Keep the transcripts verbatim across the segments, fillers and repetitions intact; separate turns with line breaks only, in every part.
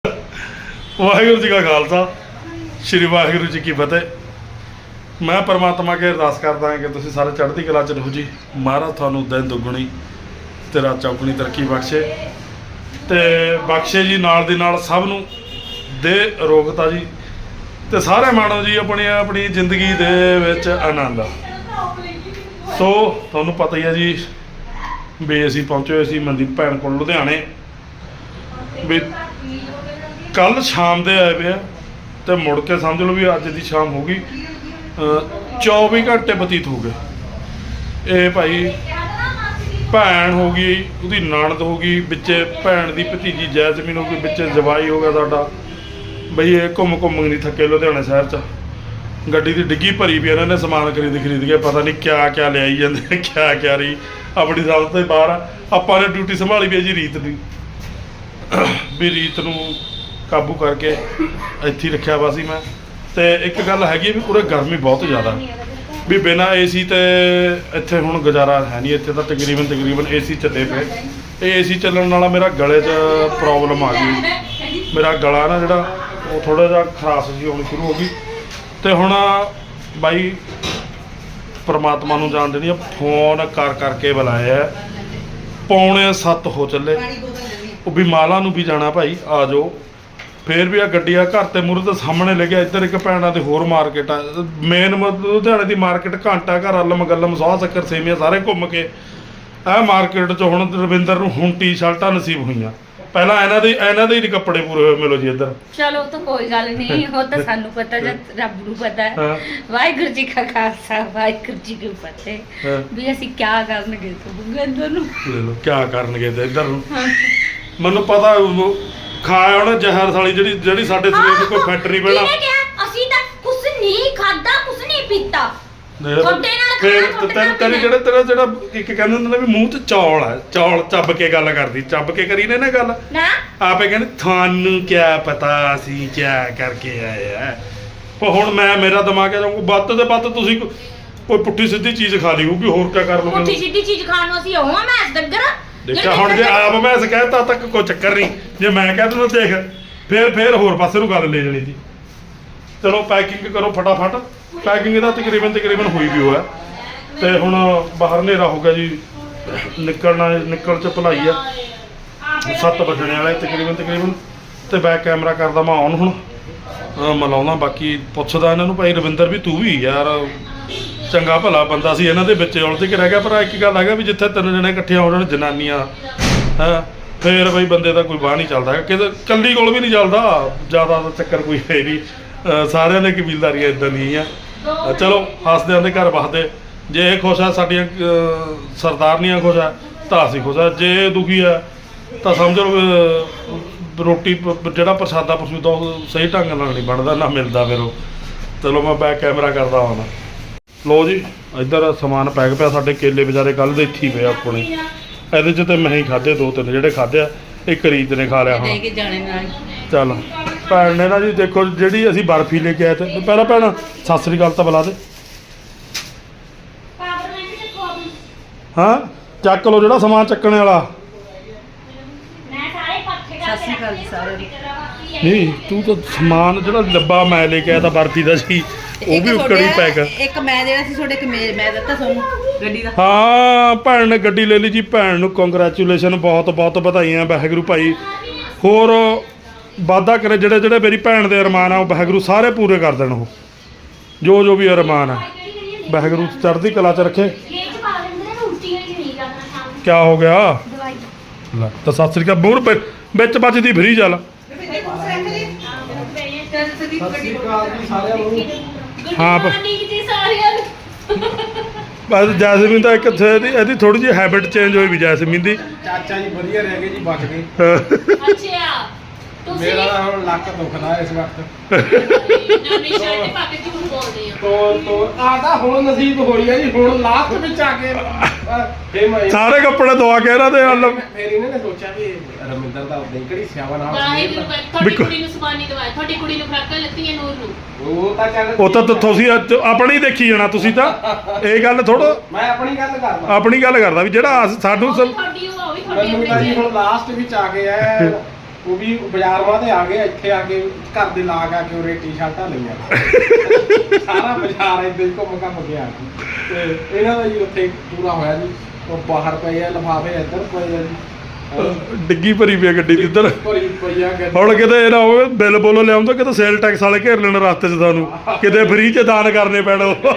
ਵਾਹਿਗੁਰੂ ਜੀ ਕਾ ਖਾਲਸਾ ਸ਼੍ਰੀ ਵਾਹਿਗੁਰੂ ਜੀ ਕੀ ਫਤਿਹ। ਮੈਂ ਪਰਮਾਤਮਾ ਅੱਗੇ ਅਰਦਾਸ ਕਰਦਾ ਹਾਂ ਕਿ ਤੁਸੀਂ ਸਾਰੇ ਚੜ੍ਹਦੀ ਕਲਾ 'ਚ ਰਹੋ ਜੀ। ਮਹਾਰਾਜ ਤੁਹਾਨੂੰ ਦਿਨ ਦੁੱਗਣੀ ਤੇ ਰਾਤ ਚੌਗੁਣੀ ਤਰੱਕੀ ਬਖਸ਼ੇ ਤੇ ਬਖਸ਼ੇ ਜੀ। ਨਾਲ ਦੀ ਨਾਲ ਸਭ ਨੂੰ ਦੇ ਅਰੋਗਤਾ ਜੀ ਤੇ ਸਾਰੇ ਮਾਣੋ ਜੀ ਆਪਣੀ ਆਪਣੀ ਜ਼ਿੰਦਗੀ ਦੇ ਵਿੱਚ ਆਨੰਦ। ਸੋ ਤੁਹਾਨੂੰ ਪਤਾ ਹੀ ਹੈ ਜੀ ਵੀ ਅਸੀਂ ਪਹੁੰਚੇ ਹੋਏ ਸੀ ਮਨਦੀਪ ਭੈਣ ਕੋਲ ਲੁਧਿਆਣੇ। ਵੀ ਕੱਲ ਸ਼ਾਮ ਦੇ ਆਏ ਵੇ ਆ ਤੇ ਮੁੜ ਕੇ ਸਮਝ ਲਓ ਵੀ ਅੱਜ ਦੀ ਸ਼ਾਮ ਹੋ ਗਈ। ਚੌਵੀ ਘੰਟੇ ਬਤੀਤ ਹੋ ਗਏ। ਇਹ ਭਾਈ ਭੈਣ ਹੋ ਗਈ, ਉਹਦੀ ਨਣਦ ਹੋ ਗਈ, ਵਿੱਚੇ ਭੈਣ ਦੀ ਭਤੀਜੀ ਜੈਸਮੀਨ ਹੋ ਗਈ, ਵਿੱਚੇ ਜਵਾਈ ਹੋ ਗਿਆ ਸਾਡਾ। ਬਈ ਇਹ ਘੁੰਮ ਘੁੰਮ ਨਹੀਂ ਥੱਕੇ ਲੁਧਿਆਣੇ ਸ਼ਹਿਰ 'ਚ। ਗੱਡੀ ਦੀ ਡਿੱਗੀ ਭਰੀ ਵੀ ਇਹਨਾਂ ਨੇ ਸਮਾਨ ਖਰੀਦ ਖਰੀਦ ਕੇ ਪਤਾ ਨਹੀਂ ਕਿਆ ਕਿਆ ਲਿਆਈ ਜਾਂਦੇ ਕਿਆ ਕਿਆ ਰਹੀ ਆਪਣੀ ਸਮਝ ਤੋਂ ਬਾਹਰ ਆ। ਆਪਾਂ ਨੇ ਡਿਊਟੀ ਸੰਭਾਲੀ ਵੀ ਹੈ ਜੀ ਰੀਤ ਦੀ, ਵੀ ਰੀਤ ਨੂੰ ਕਾਬੂ ਕਰਕੇ ਇੱਥੇ ਹੀ ਰੱਖਿਆ ਵਾ ਸੀ ਮੈਂ। ਤੇ ਇੱਕ ਗੱਲ ਹੈਗੀ ਵੀ ਪੂਰੇ ਗਰਮੀ ਬਹੁਤ ਜ਼ਿਆਦਾ ਵੀ ਬਿਨਾਂ ਏ ਸੀ ਤੇ ਇੱਥੇ ਹੁਣ ਗੁਜ਼ਾਰਾ ਹੈ ਨਹੀਂ। ਇੱਥੇ ਤਾਂ ਤਕਰੀਬਨ ਤਕਰੀਬਨ ਏ ਸੀ ਚੱਲੇ ਪਏ। ਇਹ ਏ ਸੀ ਚੱਲਣ ਨਾਲ ਮੇਰਾ ਗਲੇ 'ਚ ਪ੍ਰੋਬਲਮ ਆ ਗਈ। ਮੇਰਾ ਗਲਾ ਨਾ ਜਿਹੜਾ ਉਹ ਥੋੜ੍ਹਾ ਜਿਹਾ ਖਰਾਸ਼ ਜੀ ਹੋਣੀ ਸ਼ੁਰੂ ਹੋ ਗਈ। ਤੇ ਹੁਣ ਬਾਈ ਪਰਮਾਤਮਾ ਨੂੰ ਜਾਣ ਦੇਣੀ ਆ, ਫੋਨ ਕਰ ਕਰਕੇ ਬੁਲਾਇਆ। ਪੌਣੇ ਸੱਤ ਹੋ ਚੱਲੇ। ਉਹ ਵੀ ਮਾਲਾ ਨੂੰ ਵੀ ਜਾਣਾ ਭਾਈ ਆ ਜਾਓ। ਫੇਰ ਵੀ ਆ ਗੱਡੀ ਆ ਘਰ ਤੇ ਮੂਹਰੇ ਦੇ ਸਾਹਮਣੇ ਲੱਗਿਆ। ਇੱਧਰ ਇੱਕ ਭੈਣਾਂ ਦੇ ਹੋਰ ਮਾਰਕੀਟ ਆ, ਮੇਨ ਲੁਧਿਆਣੇ ਦੀ ਮਾਰਕੀਟ ਘੰਟਾ ਘਰ ਅੱਲਮ ਗੱਲਮ ਸੌ ਸ਼ੱਕਰ ਸੇਮੀਆਂ ਸਾਰੇ ਘੁੰਮ ਕੇ ਇਹ ਮਾਰਕੀਟ 'ਚ ਹੁਣ ਰਵਿੰਦਰ ਨੂੰ ਹੁਣ ਟੀ ਸ਼ਰਟਾਂ ਨਸੀਬ ਹੋਈਆਂ। ਪਹਿਲਾਂ ਇਹਨਾਂ ਦੇ ਇਹਨਾਂ ਦੇ ਹੀ ਕੱਪੜੇ ਪੂਰੇ ਹੋਏ ਮਿਲੋ ਜੀ ਇੱਧਰ।
ਚਲੋ ਤਾਂ ਕੋਈ ਗੱਲ ਨਹੀਂ, ਉਹ ਤਾਂ ਸਾਨੂੰ ਪਤਾ ਜਦ ਰੱਬ ਨੂੰ ਪਤਾ ਹੈ। ਵਾਹਿਗੁਰੂ ਜੀ ਕਾ ਖਾਲਸਾ ਵਾਹਿਗੁਰੂ ਜੀ ਕੀ ਫਤਿਹ। ਵੀ ਅਸੀਂ ਕਿਆ ਕਰਨਗੇ ਤੁਹਾਨੂੰ ਨੂੰ
ਲੈ ਲਓ ਕਿਆ ਕਰਨਗੇ ਤੇ ਇੱਧਰ ਨੂੰ। ਮੈਨੂੰ ਪਤਾ ਖਾਇਆ ਉਹਨੇ ਜ਼ਹਿਰ ਸਾਲੀ ਜਿਹੜੀ ਜਿਹੜੀ ਸਾਡੇ ਸਰੀਰ ਨੂੰ ਕੋਈ ਫਿੱਟ ਨਹੀਂ ਪੈਣਾ।
ਅਸੀਂ ਤਾਂ ਕੁਛ ਨਹੀਂ ਖਾਦਾ ਕੁਛ ਨਹੀਂ ਪੀਤਾ ਤੁਹਾਡੇ ਨਾਲ।
ਫਿਰ ਤੇਰੇ ਤੇਰੇ ਜਿਹੜੇ ਤੇਰਾ ਜਿਹੜਾ ਇੱਕ ਕਹਿੰਦੇ ਹੁੰਦੇ ਨੇ ਵੀ ਮੂੰਹ 'ਚ ਚੌਲ ਹੈ, ਚੌਲ ਚੱਬ ਕੇ ਗੱਲ ਕਰਦੀ, ਚੱਬ ਕੇ ਕਰੀ ਨੇ ਨਾ ਗੱਲ
ਨਾ।
ਆਪੇ ਕਹਿੰਦੇ ਤੁਹਾਨੂੰ ਕਿਆ ਪਤਾ ਅਸੀਂ ਕਿਆ ਕਰਕੇ ਆਏ ਆ। ਪਰ ਹੁਣ ਮੈਂ ਮੇਰਾ ਦਿਮਾਗ ਆ ਜਾਊਗਾ ਵੱਧ ਤੇ ਵੱਧ ਤੁਸੀਂ ਕੋਈ ਪੁੱਠੀ ਸਿੱਧੀ ਚੀਜ਼ ਖਾ ਲਈ ਹੋਊਗੀ। ਹੋਰ ਕਿਆ ਕਰ ਲਓਗੇ?
ਪੁੱਠੀ ਸਿੱਧੀ ਚੀਜ਼ ਖਾਣ ਨੂੰ ਅਸੀਂ ਹੋਵਾਂ ਮੈਂ ਇਸ ਡੰਗਰ
ਦੇਖਿਆ ਹੁਣ ਜੇ ਆਪ ਮੈਂ ਕਹਿਤਾ ਤੱਕ ਕੋਈ ਚੱਕਰ ਨਹੀਂ। ਜੇ ਮੈਂ ਕਹਿ ਦੂੰ ਦੇਖ ਫੇਰ ਫੇਰ ਹੋਰ ਪਾਸੇ ਨੂੰ ਗੱਲ ਲੈ ਜਾਣੀ ਸੀ। ਚਲੋ ਪੈਕਿੰਗ ਕਰੋ ਫਟਾਫਟ। ਪੈਕਿੰਗ ਦਾ ਤਕਰੀਬਨ ਤਕਰੀਬਨ ਹੋਈ ਵੀ ਹੋਇਆ ਤੇ ਹੁਣ ਬਾਹਰ ਹਨੇਰਾ ਹੋ ਗਿਆ ਜੀ। ਨਿਕਲਣਾ ਨਿਕਲ ਚ ਭਲਾਈ ਆ। ਸੱਤ ਵੱਜਣੇ ਵਾਲੇ ਤਕਰੀਬਨ ਤਕਰੀਬਨ। ਤੇ ਬੈਕ ਕੈਮਰਾ ਕਰਦਾ ਮੈਂ ਆਨ ਹੁਣ ਮਿਲਾਉਂਦਾ। ਬਾਕੀ ਪੁੱਛਦਾ ਇਹਨਾਂ ਨੂੰ ਭਾਈ ਰਵਿੰਦਰ ਵੀ ਤੂੰ ਵੀ ਯਾਰ ਚੰਗਾ ਭਲਾ ਬੰਦਾ ਸੀ, ਇਹਨਾਂ ਦੇ ਵਿੱਚ ਉਲਝ ਕੇ ਰਹਿ ਗਿਆ। ਪਰ ਇੱਕ ਗੱਲ ਹੈਗਾ ਵੀ ਜਿੱਥੇ ਤਿੰਨ ਜਣੇ ਇਕੱਠੀਆਂ ਹੋ ਜਾਣ ਜਨਾਨੀਆਂ ਹੈ ਫੇਰ ਬਈ ਬੰਦੇ ਦਾ ਕੋਈ ਬਾਹ ਨਹੀਂ ਚੱਲਦਾ ਹੈਗਾ। ਕਿਤੇ ਇਕੱਲੀ ਕੋਲ ਵੀ ਨਹੀਂ ਚੱਲਦਾ। ਜ਼ਿਆਦਾ ਦਾ ਚੱਕਰ ਕੋਈ ਹੈ ਨਹੀਂ। ਸਾਰਿਆਂ ਦੇ ਕਬੀਲਦਾਰੀਆਂ ਇੱਦਾਂ ਦੀਆਂ ਆ। ਚਲੋ ਹੱਸਦੇ ਆਂਦੇ ਘਰ ਵਸਦੇ। ਜੇ ਇਹ ਖੁਸ਼ ਆ ਸਾਡੀਆਂ ਸਰਦਾਰਨੀਆਂ ਖੁਸ਼ ਆ ਤਾਂ ਅਸੀਂ ਖੁਸ਼ ਆ। ਜੇ ਦੁਖੀ ਆ ਤਾਂ ਸਮਝ ਲਓ ਰੋਟੀ ਜਿਹੜਾ ਪ੍ਰਸ਼ਾਦਾ ਪ੍ਰਸ਼ੂਦਾ ਉਹ ਸਹੀ ਢੰਗ ਨਾਲ ਨਹੀਂ ਬਣਦਾ ਨਾ ਮਿਲਦਾ ਫਿਰ ਉਹ। ਚਲੋ ਮੈਂ ਬੈਕ ਕੈਮਰਾ ਕਰਦਾ ਹੁਣ। ਲੋ ਜੀ ਇੱਧਰ ਸਮਾਨ ਪੈਕ ਪਿਆ। ਸਾਡੇ ਕੇਲੇ ਵਿਚਾਰੇ ਕੱਲ੍ਹ ਦੇ ਇੱਥੇ ਹੀ ਪਏ ਆਪਣੇ। ਇਹਦੇ 'ਚ ਤਾਂ ਮੈਂ ਹੀ ਖਾਧੇ ਦੋ ਤਿੰਨ ਜਿਹੜੇ ਖਾਧੇ ਆ। ਇੱਕ ਰੀਤ ਨੇ ਖਾ ਲਿਆ ਹੁਣ। ਚੱਲ ਭੈਣ ਨੇ ਨਾ ਜੀ ਦੇਖੋ ਜਿਹੜੀ ਅਸੀਂ ਬਰਫੀ ਲੈ ਕੇ ਆਏ ਤੇ ਪਹਿਲਾਂ ਭੈਣ ਸਤਿ ਸ੍ਰੀ ਅਕਾਲ ਤਾਂ ਬੁਲਾ ਦੇ। ਹਾਂ ਚੱਕ ਲਓ ਜਿਹੜਾ ਸਮਾਨ ਚੱਕਣ ਵਾਲਾ। ਨਹੀਂ ਤੂੰ ਤਾਂ ਸਮਾਨ ਜਿਹੜਾ ਡੱਬਾ ਮੈਂ ਲੈ ਕੇ ਆਇਆ ਤਾਂ ਬਰਫੀ ਦਾ ਸੀ ਉਹ ਵੀ ਉੱਕੜੀ ਪੈਕ।
ਇੱਕ ਮੈਂ ਜਿਹੜਾ ਸੀ ਤੁਹਾਡੇ ਮੈਂ ਦਿੱਤਾ ਤੁਹਾਨੂੰ ਗੱਡੀ ਦਾ।
ਹਾਂ ਭੈਣ ਨੇ ਗੱਡੀ ਲੈ ਲਈ ਜੀ। ਭੈਣ ਨੂੰ ਕੰਗ੍ਰੈਚੁਲੇਸ਼ਨ, ਬਹੁਤ ਬਹੁਤ ਵਧਾਈਆਂ। ਵਾਹਿਗੁਰੂ ਭਾਈ ਹੋਰ ਵਾਧਾ ਕਰੇ। ਜਿਹੜੇ ਜਿਹੜੇ ਮੇਰੀ ਭੈਣ ਦੇ ਅਰਮਾਨ ਆ ਉਹ ਵਾਹਿਗੁਰੂ ਸਾਰੇ ਪੂਰੇ ਕਰ ਦੇਣ। ਉਹ ਜੋ ਜੋ ਵੀ ਅਰਮਾਨ ਆ ਵਾਹਿਗੁਰੂ ਚੜ੍ਹਦੀ ਕਲਾ 'ਚ ਰੱਖੇ। ਕਿਆ ਹੋ ਗਿਆ ਲੈ ਤਾਂ ਸਤਿ ਸ੍ਰੀ ਅਕਾਲ ਮੂਹਰ ਵਿੱਚ ਵੱਜਦੀ ਫਰੀ ਚੱਲ। ਹਾਂ ਬਸ ਜੈਸਮੀਨ ਤਾਂ ਇੱਕ ਇਹਦੀ ਇਹਦੀ ਥੋੜੀ ਜਿਹੀ ਹੈਬਿਟ ਚੇਂਜ ਹੋਈ ਵੀ ਜੈਸਮੀਨ ਦੀ।
ਚਾਚਾ ਜੀ ਵਧੀਆ ਰਹਿ ਗਏ ਜੀ ਬਚ ਗਏ।
ਅੱਛਾ ਤੁਸੀਂ
ਮੇਰਾ ਹੁਣ ਲੱਕ ਦੁਖਦਾ ਇਸ ਵਕਤ।
ਨਵੀਂ ਸ਼ਰਟ ਪਾ ਕੇ ਝੂਠ ਬੋਲਦੇ ਆ।
ਤੋ ਤੋ ਆਦਾ ਹੁਣ ਨਸੀਬ ਹੋਈ ਆ ਜੀ। ਹੁਣ ਲਾਸਟ ਵਿੱਚ ਆ ਕੇ ਫੇ ਮੈਂ
ਸਾਰੇ ਕੱਪੜੇ ਧਵਾ ਕੇ ਇਹਨਾਂ ਦੇ ਨਾਲ
ਫੇਰ ਇਹਨੇ ਨੇ ਸੋਚਿਆ ਵੀ ਰਮਿੰਦਰ ਦਾ ਉਦਾਂ ਹੀ ਕਿਹੜੀ ਸਿਆਵਾ ਨਾਲ
ਵਾਹਿਗੁਰੂ ਤੁਹਾਡੀ ਕੁੜੀ ਨੂੰ ਸਮਾਨੀ ਦਵਾਇਆ। ਤੁਹਾਡੀ ਕੁੜੀ ਨੂੰ ਫਰਾਕਾਂ ਲੱਤੀਆਂ ਨੂਰ ਨੂੰ।
ਉਹ ਤਾਂ ਚੱਲ
ਉਹ ਤਾਂ ਤੁਸੀਂ ਆਪਣੀ ਦੇਖੀ ਜਾਣਾ ਤੁਸੀਂ ਤਾਂ। ਇਹ ਗੱਲ ਥੋੜਾ
ਮੈਂ ਆਪਣੀ ਗੱਲ ਕਰਦਾ।
ਆਪਣੀ ਗੱਲ ਕਰਦਾ ਵੀ ਜਿਹੜਾ ਸਾਨੂੰ
ਤੁਹਾਡੀ ਉਹ ਵੀ ਤੁਹਾਡੀ
ਮੈਨੂੰ ਤਾਂ ਜੀ ਹੁਣ ਲਾਸਟ ਵਿੱਚ ਆ ਗਏ ਆ ਉਹ ਵੀ ਬਾਜ਼ਾਰ ਵਾਂ ਤੇ ਆ ਗਏ ਇੱਥੇ ਆ ਕੇ ਘਰ ਦੇ ਲਾਗ ਆ ਕੇ ਉਹਰੇ ਟੀ-ਸ਼ਰਟਾਂ ਲਈਆਂ ਸਾਰਾ ਬਾਜ਼ਾਰ ਇੱਦਾਂ ਹੀ ਘੁੰਮ ਘੰਮ ਕੇ ਆ ਗਏ ਤੇ ਇਹਨਾਂ ਦਾ ਜੀ ਉੱਥੇ ਪੂਰਾ ਹੋਇਆ ਜੀ ਉਹ ਬਾਹਰ ਪਏ ਆ ਲਿਫਾਫੇ ਇੱਧਰ ਪਏ ਆ ਜੀ
ਡਿੱਗੀ ਭਰੀ ਪਈ ਆ ਗੱਡੀ ਦੀ ਇੱਧਰ
ਭਰੀ ਪਈ ਆ ਗੱਡੀ
ਹੁਣ ਕਿਤੇ ਇਹ ਨਾ ਹੋਵੇ ਬਿੱਲ ਬੋਲੋ ਲਿਆਉਂਦਾ ਕਿਤੇ ਸੇਲ ਟੈਕਸ ਵਾਲੇ ਘੇਰ ਲੈਣ ਰਸਤੇ 'ਚ ਤੁਹਾਨੂੰ ਕਿਤੇ ਫ੍ਰੀ 'ਚ ਦਾਨ ਕਰਨੇ ਪੈਣ
ਨਾ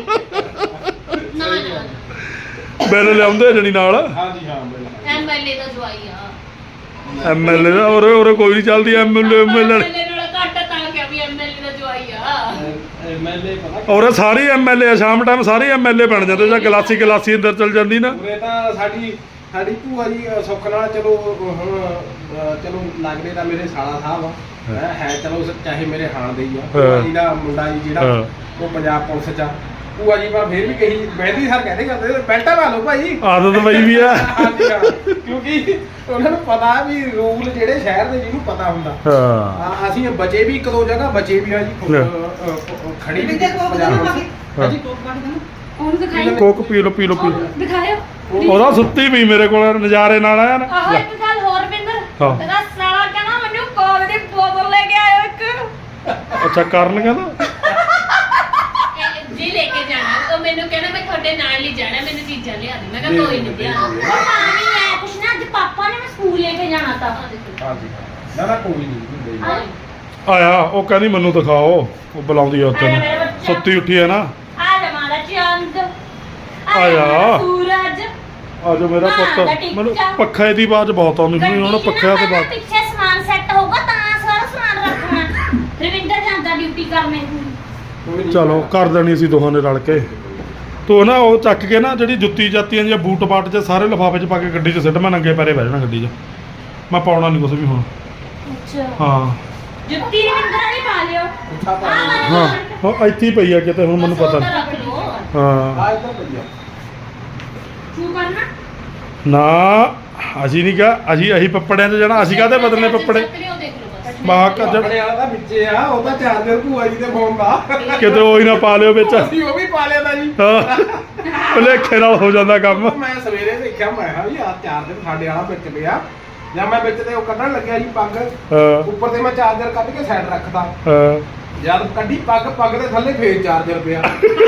ਨਾ
ਬਿੱਲ ਲਿਆਉਂਦੇ ਜਣੀ ਨਾਲ
ਹਾਂਜੀ ਹਾਂ ਬਿਲਕੁਲ
ਐਮਐਲਏ ਦਾ ਜਵਾਈ ਆ
ਐਮਐਲਏ ਦਾ ਉਰੇ ਉਰੇ ਕੋਈ ਨਹੀਂ ਚੱਲਦੀ ਐਮਐਲਏ ਐਮਐਲਏ
ਐਮਐਲਏ ਨਾਲ ਘੱਟ ਤਾਂ ਕਿ ਵੀ ਐਮਐਲਏ ਦਾ ਜਵਾਈ ਆ
ਐਮਐਲਏ ਪਤਾ
ਉਰੇ ਸਾਰੇ ਐਮਐਲਏ ਆ ਸ਼ਾਮ ਟਾਈਮ ਸਾਰੇ ਐਮਐਲਏ ਬਣ ਜਾਂਦੇ ਜਾਂ ਗਲਾਸੀ ਗਲਾਸੀ ਅੰਦਰ ਚੱਲ ਜਾਂਦੀ ਨਾ
ਉਰੇ ਤਾਂ ਸਾਡੀ ਸਾਡੀ ਭੂਆ ਜੀ ਅ, ਸੁੱਖ ਨਾਲ ਚਲੋ ਹੁਣ ਅ, ਚਲੋ ਲੱਗਦੇ ਤਾਂ ਮੇਰੇ ਸਾਲਾ ਸਾਹਿਬ ਆ ਹੈਂ, ਹੈ ਚਲੋ ਸ- ਚਾਹੇ ਮੇਰੇ ਹਾਣ ਦੇ ਹੀ ਆ ਭੂਆ ਜੀ ਦਾ ਮੁੰਡਾ ਜੀ ਜਿਹੜਾ
ਹਾਂ।
ਉਹ ਪੰਜਾਬ ਪੁਲਿਸ ਚ ਆ ਭੂਆ ਜੀ ਪਰ ਫੇਰ ਵੀ ਕਹੀ ਮਹਿੰਦੀ ਸਰ ਕਹਿੰਦੇ ਕਰਦੇ ਬੈਲਟਾਂ ਲਾ ਲਓ ਭਾਈ
ਆਦਤ ਪਈ ਵੀ ਆ
ਹਾਂਜੀ ਹਾਂ ਕਿਉਂਕਿ ਉਹਨਾਂ ਨੂੰ ਪਤਾ ਵੀ ਰੂਲ ਜਿਹੜੇ ਸ਼ਹਿਰ ਦੇ ਜਿਹਨੂੰ ਪਤਾ ਹੁੰਦਾ
ਹਾਂ
ਆ, ਅਸੀਂ ਬਚੇ ਵੀ ਇੱਕ ਦੋ ਜਗ੍ਹਾ ਬਚੇ ਵੀ ਆ ਜੀ
ਲੈ।
ਅ, ਅ, ਅ, ਖੜੀ ਵੀ
ਵੀ ਦੇਖੋ
ਪੰਜਾਬ
ਉਹਨੂੰ
ਪੁਲਿਸ।
ਹਾਂ।
ਹਾਂਜੀ
ਉਹਨੂੰ ਦਿਖਾਈ
ਕੋਕ ਪੀ ਲੋ ਪੀ ਲੋ ਪੀ ਲਓ।
ਉਹਨੂੰ ਦਿਖਾਇਓ
ਉਹਦਾ ਸੁੱਤੀ ਪਈ ਮੇਰੇ ਕੋਲ ਨਜ਼ਾਰੇ ਨਾਲ ਆਇਆ ਨਾ
ਆਹੋ ਇੱਕ ਗੱਲ ਹੋਰ ਬਿੰਦਰ
ਹਾਂ।
ਤੇਰਾ ਸਾਲਾ ਕਹਿੰਦਾ ਮੈਨੂੰ ਕੋਲ ਦੀ ਬੋਤਲ ਲੈ ਕੇ ਆਇਓ ਇੱਕ
ਅੱਛਾ ਕਰਨ ਕਹਿੰਦਾ
ਇਹ ਜੀ ਲੈ ਕੇ ਜਾਣਾ ਉਹ ਮੈਨੂੰ ਕਹਿੰਦਾ ਮੈਂ ਤੁਹਾਡੇ ਨਾਲ ਹੀ ਜਾਣਾ ਮੈਨੂੰ ਚੀਜ਼ਾਂ ਲਿਆ ਦੇ ਮੈਂ ਕਿਹਾ ਕੋਈ ਨਹੀਂ ਲਿਆ ਉਹ ਪਾਣੀ ਮੈਂ ਕੁਛ ਨਾ ਅੱਜ ਪਾਪਾ ਨੇ ਮੈਂ ਸਕੂਲ ਲੈ ਕੇ ਜਾਣਾ ਤਾਂ
ਹਾਂਜੀ ਨਾ ਨਾ ਕੋਈ ਨਹੀਂ ਹੁੰਦੇ ਜੀ।
ਆਇਆ ਉਹ ਕਹਿੰਦੀ ਮੈਨੂੰ ਦਿਖਾਓ ਉਹ ਬੁਲਾਉਂਦੀ ਆ ਉੱਥੇ ਸੁੱਤੀ ਉੱਠੀ ਹੈ ਨਾ
ਆ ਜਾ ਮਾਰਾ ਚੰਦ
ਆ ਜਾ।
ਸੂਰਜ
ਆਜੋ ਮੇਰਾ
ਮਾਂ ਦਾ
ਪੁੱਤ
ਟਿੱਕਾ।
ਮੈਨੂੰ ਪੱਖੇ ਦੀ ਆਵਾਜ਼ ਬਹੁਤ ਆਉਂਦੀ ਸੀ ਹੁਣ ਪੱਖਿਆਂ ਤੇ ਬਾਤ
ਪਿੱਛੇ ਸਮਾਨ ਸੈੱਟ ਹੋਊਗਾ ਤਾਂ ਸਾਰਾ ਸਮਾਨ ਰੱਖਣਾ ਰਵਿੰਦਰ ਜਾਂਦਾ ਡਿਊਟੀ ਕਰਨੇ
ਕੋਈ ਨਹੀਂ।
ਚਲੋ ਕਰ ਦੇਣੀ ਸੀ ਦੋਹਾਂ ਨੇ ਰਲ ਕੇ ਤੂੰ ਨਾ ਉਹ ਚੱਕ ਕੇ ਨਾ ਜਿਹੜੀ ਜੁੱਤੀ ਜਾਤੀਆਂ ਜਾਂ ਬੂਟ ਬਾਟ ਚ ਸਾਰੇ ਲਿਫਾਫੇ ਚ ਪਾ ਕੇ ਗੱਡੀ 'ਚ ਸਿੱਟ ਮੈਂ ਨੰਗੇ ਪੈਰੇ ਬਹਿ ਜਾਣਾ ਗੱਡੀ 'ਚ ਮੈਂ ਪਾਉਣਾ ਨਹੀਂ ਕੁਛ ਵੀ ਹੁਣ
ਅੱਛਾ
ਹਾਂ
ਜੁੱਤੀ ਰਵਿੰਦਰ ਨਹੀਂ ਪਾ ਲਿਓ
ਉੱਠਾ ਪਾ ਲਓ।
ਹਾਂ ਉਹ ਇੱਥੇ ਹੀ ਪਈ ਆ ਕਿਤੇ ਹੁਣ ਮੈਨੂੰ ਪਤਾ ਨਹੀਂ
ਰੱਖ ਲਓ
ਹਾਂ
ਆ ਇੱਧਰ ਵਧੀਆ
ਸ਼ੂ ਕਰਨਾ
ਨਾ ਅਸੀਂ ਨਹੀਂ ਕਹਾ ਅਸੀਂ ਅਸੀਂ ਪੱਪੜਿਆਂ 'ਚ ਜਾਣਾ ਅਸੀਂ ਕਾਹਦੇ ਬਦਲਨੇ ਪੱਪੜੇ
ਚੱਕ ਲਿਓ ਦੇਖ ਲਓ ਬਸ
ਬਾਹਰ ਕੱਢ
ਆਪਣੇ ਵਾਲਾ ਤਾਂ ਵਿੱਚੇ ਆ ਉਹ ਤਾਂ ਚਾਰਜਰ ਭੂਆ ਜੀ ਦੇ ਫੋਨ ਦਾ
ਕਿਤੇ ਉਹ ਹੀ ਨਾ ਪਾ ਲਿਓ ਵਿੱਚ
ਅਸੀਂ ਉਹ ਵੀ ਪਾ ਲਿਆ ਤਾਂ ਜੀ
ਹਾਂ ਭੁਲੇਖੇ ਨਾਲ ਹੋ ਜਾਂਦਾ ਕੰਮ
ਉਹ ਮੈਂ ਸਵੇਰੇ ਦੇਖਿਆ ਮੈਂ ਕਿਹਾ ਵੀ ਆ ਚਾਰਜਰ ਸਾਡੇ ਵਾਲਾ ਵਿੱਚ ਪਿਆ ਜਾਂ ਮੈਂ ਵਿੱਚ ਤੇ ਉਹ ਕੱਢਣ ਲੱਗਿਆ ਜੀ ਪੱਗ
ਹਾਂ
ਉੱਪਰ ਤੇ ਮੈਂ ਚਾਰਜਰ ਕੱਢ ਕੇ ਸਾਈਡ ਰੱਖਦਾ
ਹਾਂ
ਜਦ ਕੱਢੀ ਪੱਗ ਪੱਗ ਦੇ ਥੱਲੇ ਫੇਰ ਚਾਰਜਰ ਪਿਆ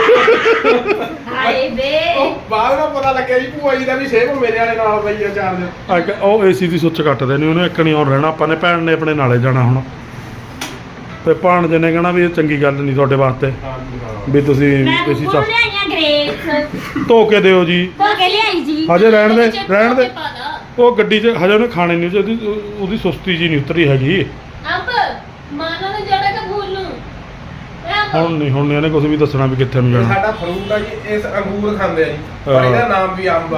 ਹਾਏ ਵੇ
ਉਹ ਬਾਅਦ ਵਿੱਚ ਪਤਾ ਲੱਗਿਆ ਜੀ ਭੂਆ ਜੀ ਦਾ ਵੀ ਸੇਮ ਮੇਰੇ ਵਾਲੇ ਨਾਲ ਪਈ ਆ ਚਾਰਜਰ
ਅੱਗੇ ਉਹ ਏਸੀ ਦੀ ਸੁੱਚ ਕੱਟਦੇ ਨੇ ਉਹਨੇ ਇੱਕ ਨਹੀਂ ਆਉਣ ਰਹਿਣਾ ਆਪਾਂ ਨੇ ਭੈਣ ਨੇ ਆਪਣੇ ਨਾਲੇ ਜਾਣਾ ਹੁਣ ਤੇ ਭਾਣਜੇ ਨੇ ਕਹਿਣਾ ਵੀ ਇਹ ਚੰਗੀ ਗੱਲ ਨਹੀਂ ਤੁਹਾਡੇ ਵਾਸਤੇ
ਹਾਂਜੀ ਹਾਂ
ਵੀ ਤੁਸੀਂ
ਮੈਂ
ਏਸੀ
ਬੁੱਕੂ
ਚ
ਲਿਆਈਆਂ ਗ੍ਰੇਪਸ
ਧੋ ਕੇ ਦਿਓ ਜੀ
ਧੋ ਕੇ ਲਿਆਈ ਜੀ
ਹਜੇ ਰਹਿਣ ਦੇ ਰਹਿਣ ਦੇ ਉਹ ਗੱਡੀ 'ਚ ਹਜੇ ਉਹਨੇ ਖਾਣੇ ਨਹੀਂ ਉਹਦੀ ਉਹਦੀ ਸੁਸਤੀ ਜੀ ਨਹੀਂ ਉਤਰੀ ਹੈਗੀ
ਅੰਬ ਮਾਨਾ ਨੇ ਜੜਾ ਕੇ ਭੂਲ ਨੂੰ
ਹੁਣ ਨਹੀਂ ਹੁਣ ਨੀ ਇਹਨੇ ਕੁਝ ਵੀ ਦੱਸਣਾ ਵੀ ਕਿੱਥੇ ਨੂੰ
ਇਹ
ਜਾਣਾ
ਸਾਡਾ ਫਰੂਟ ਆ ਜੀ ਇਸ ਅੰਗੂਰ ਖਾਂਦੇ ਆ ਜੀ ਪਰ
ਹਾਂ।
ਇਹਦਾ ਨਾਮ ਵੀ ਅੰਬ ਆ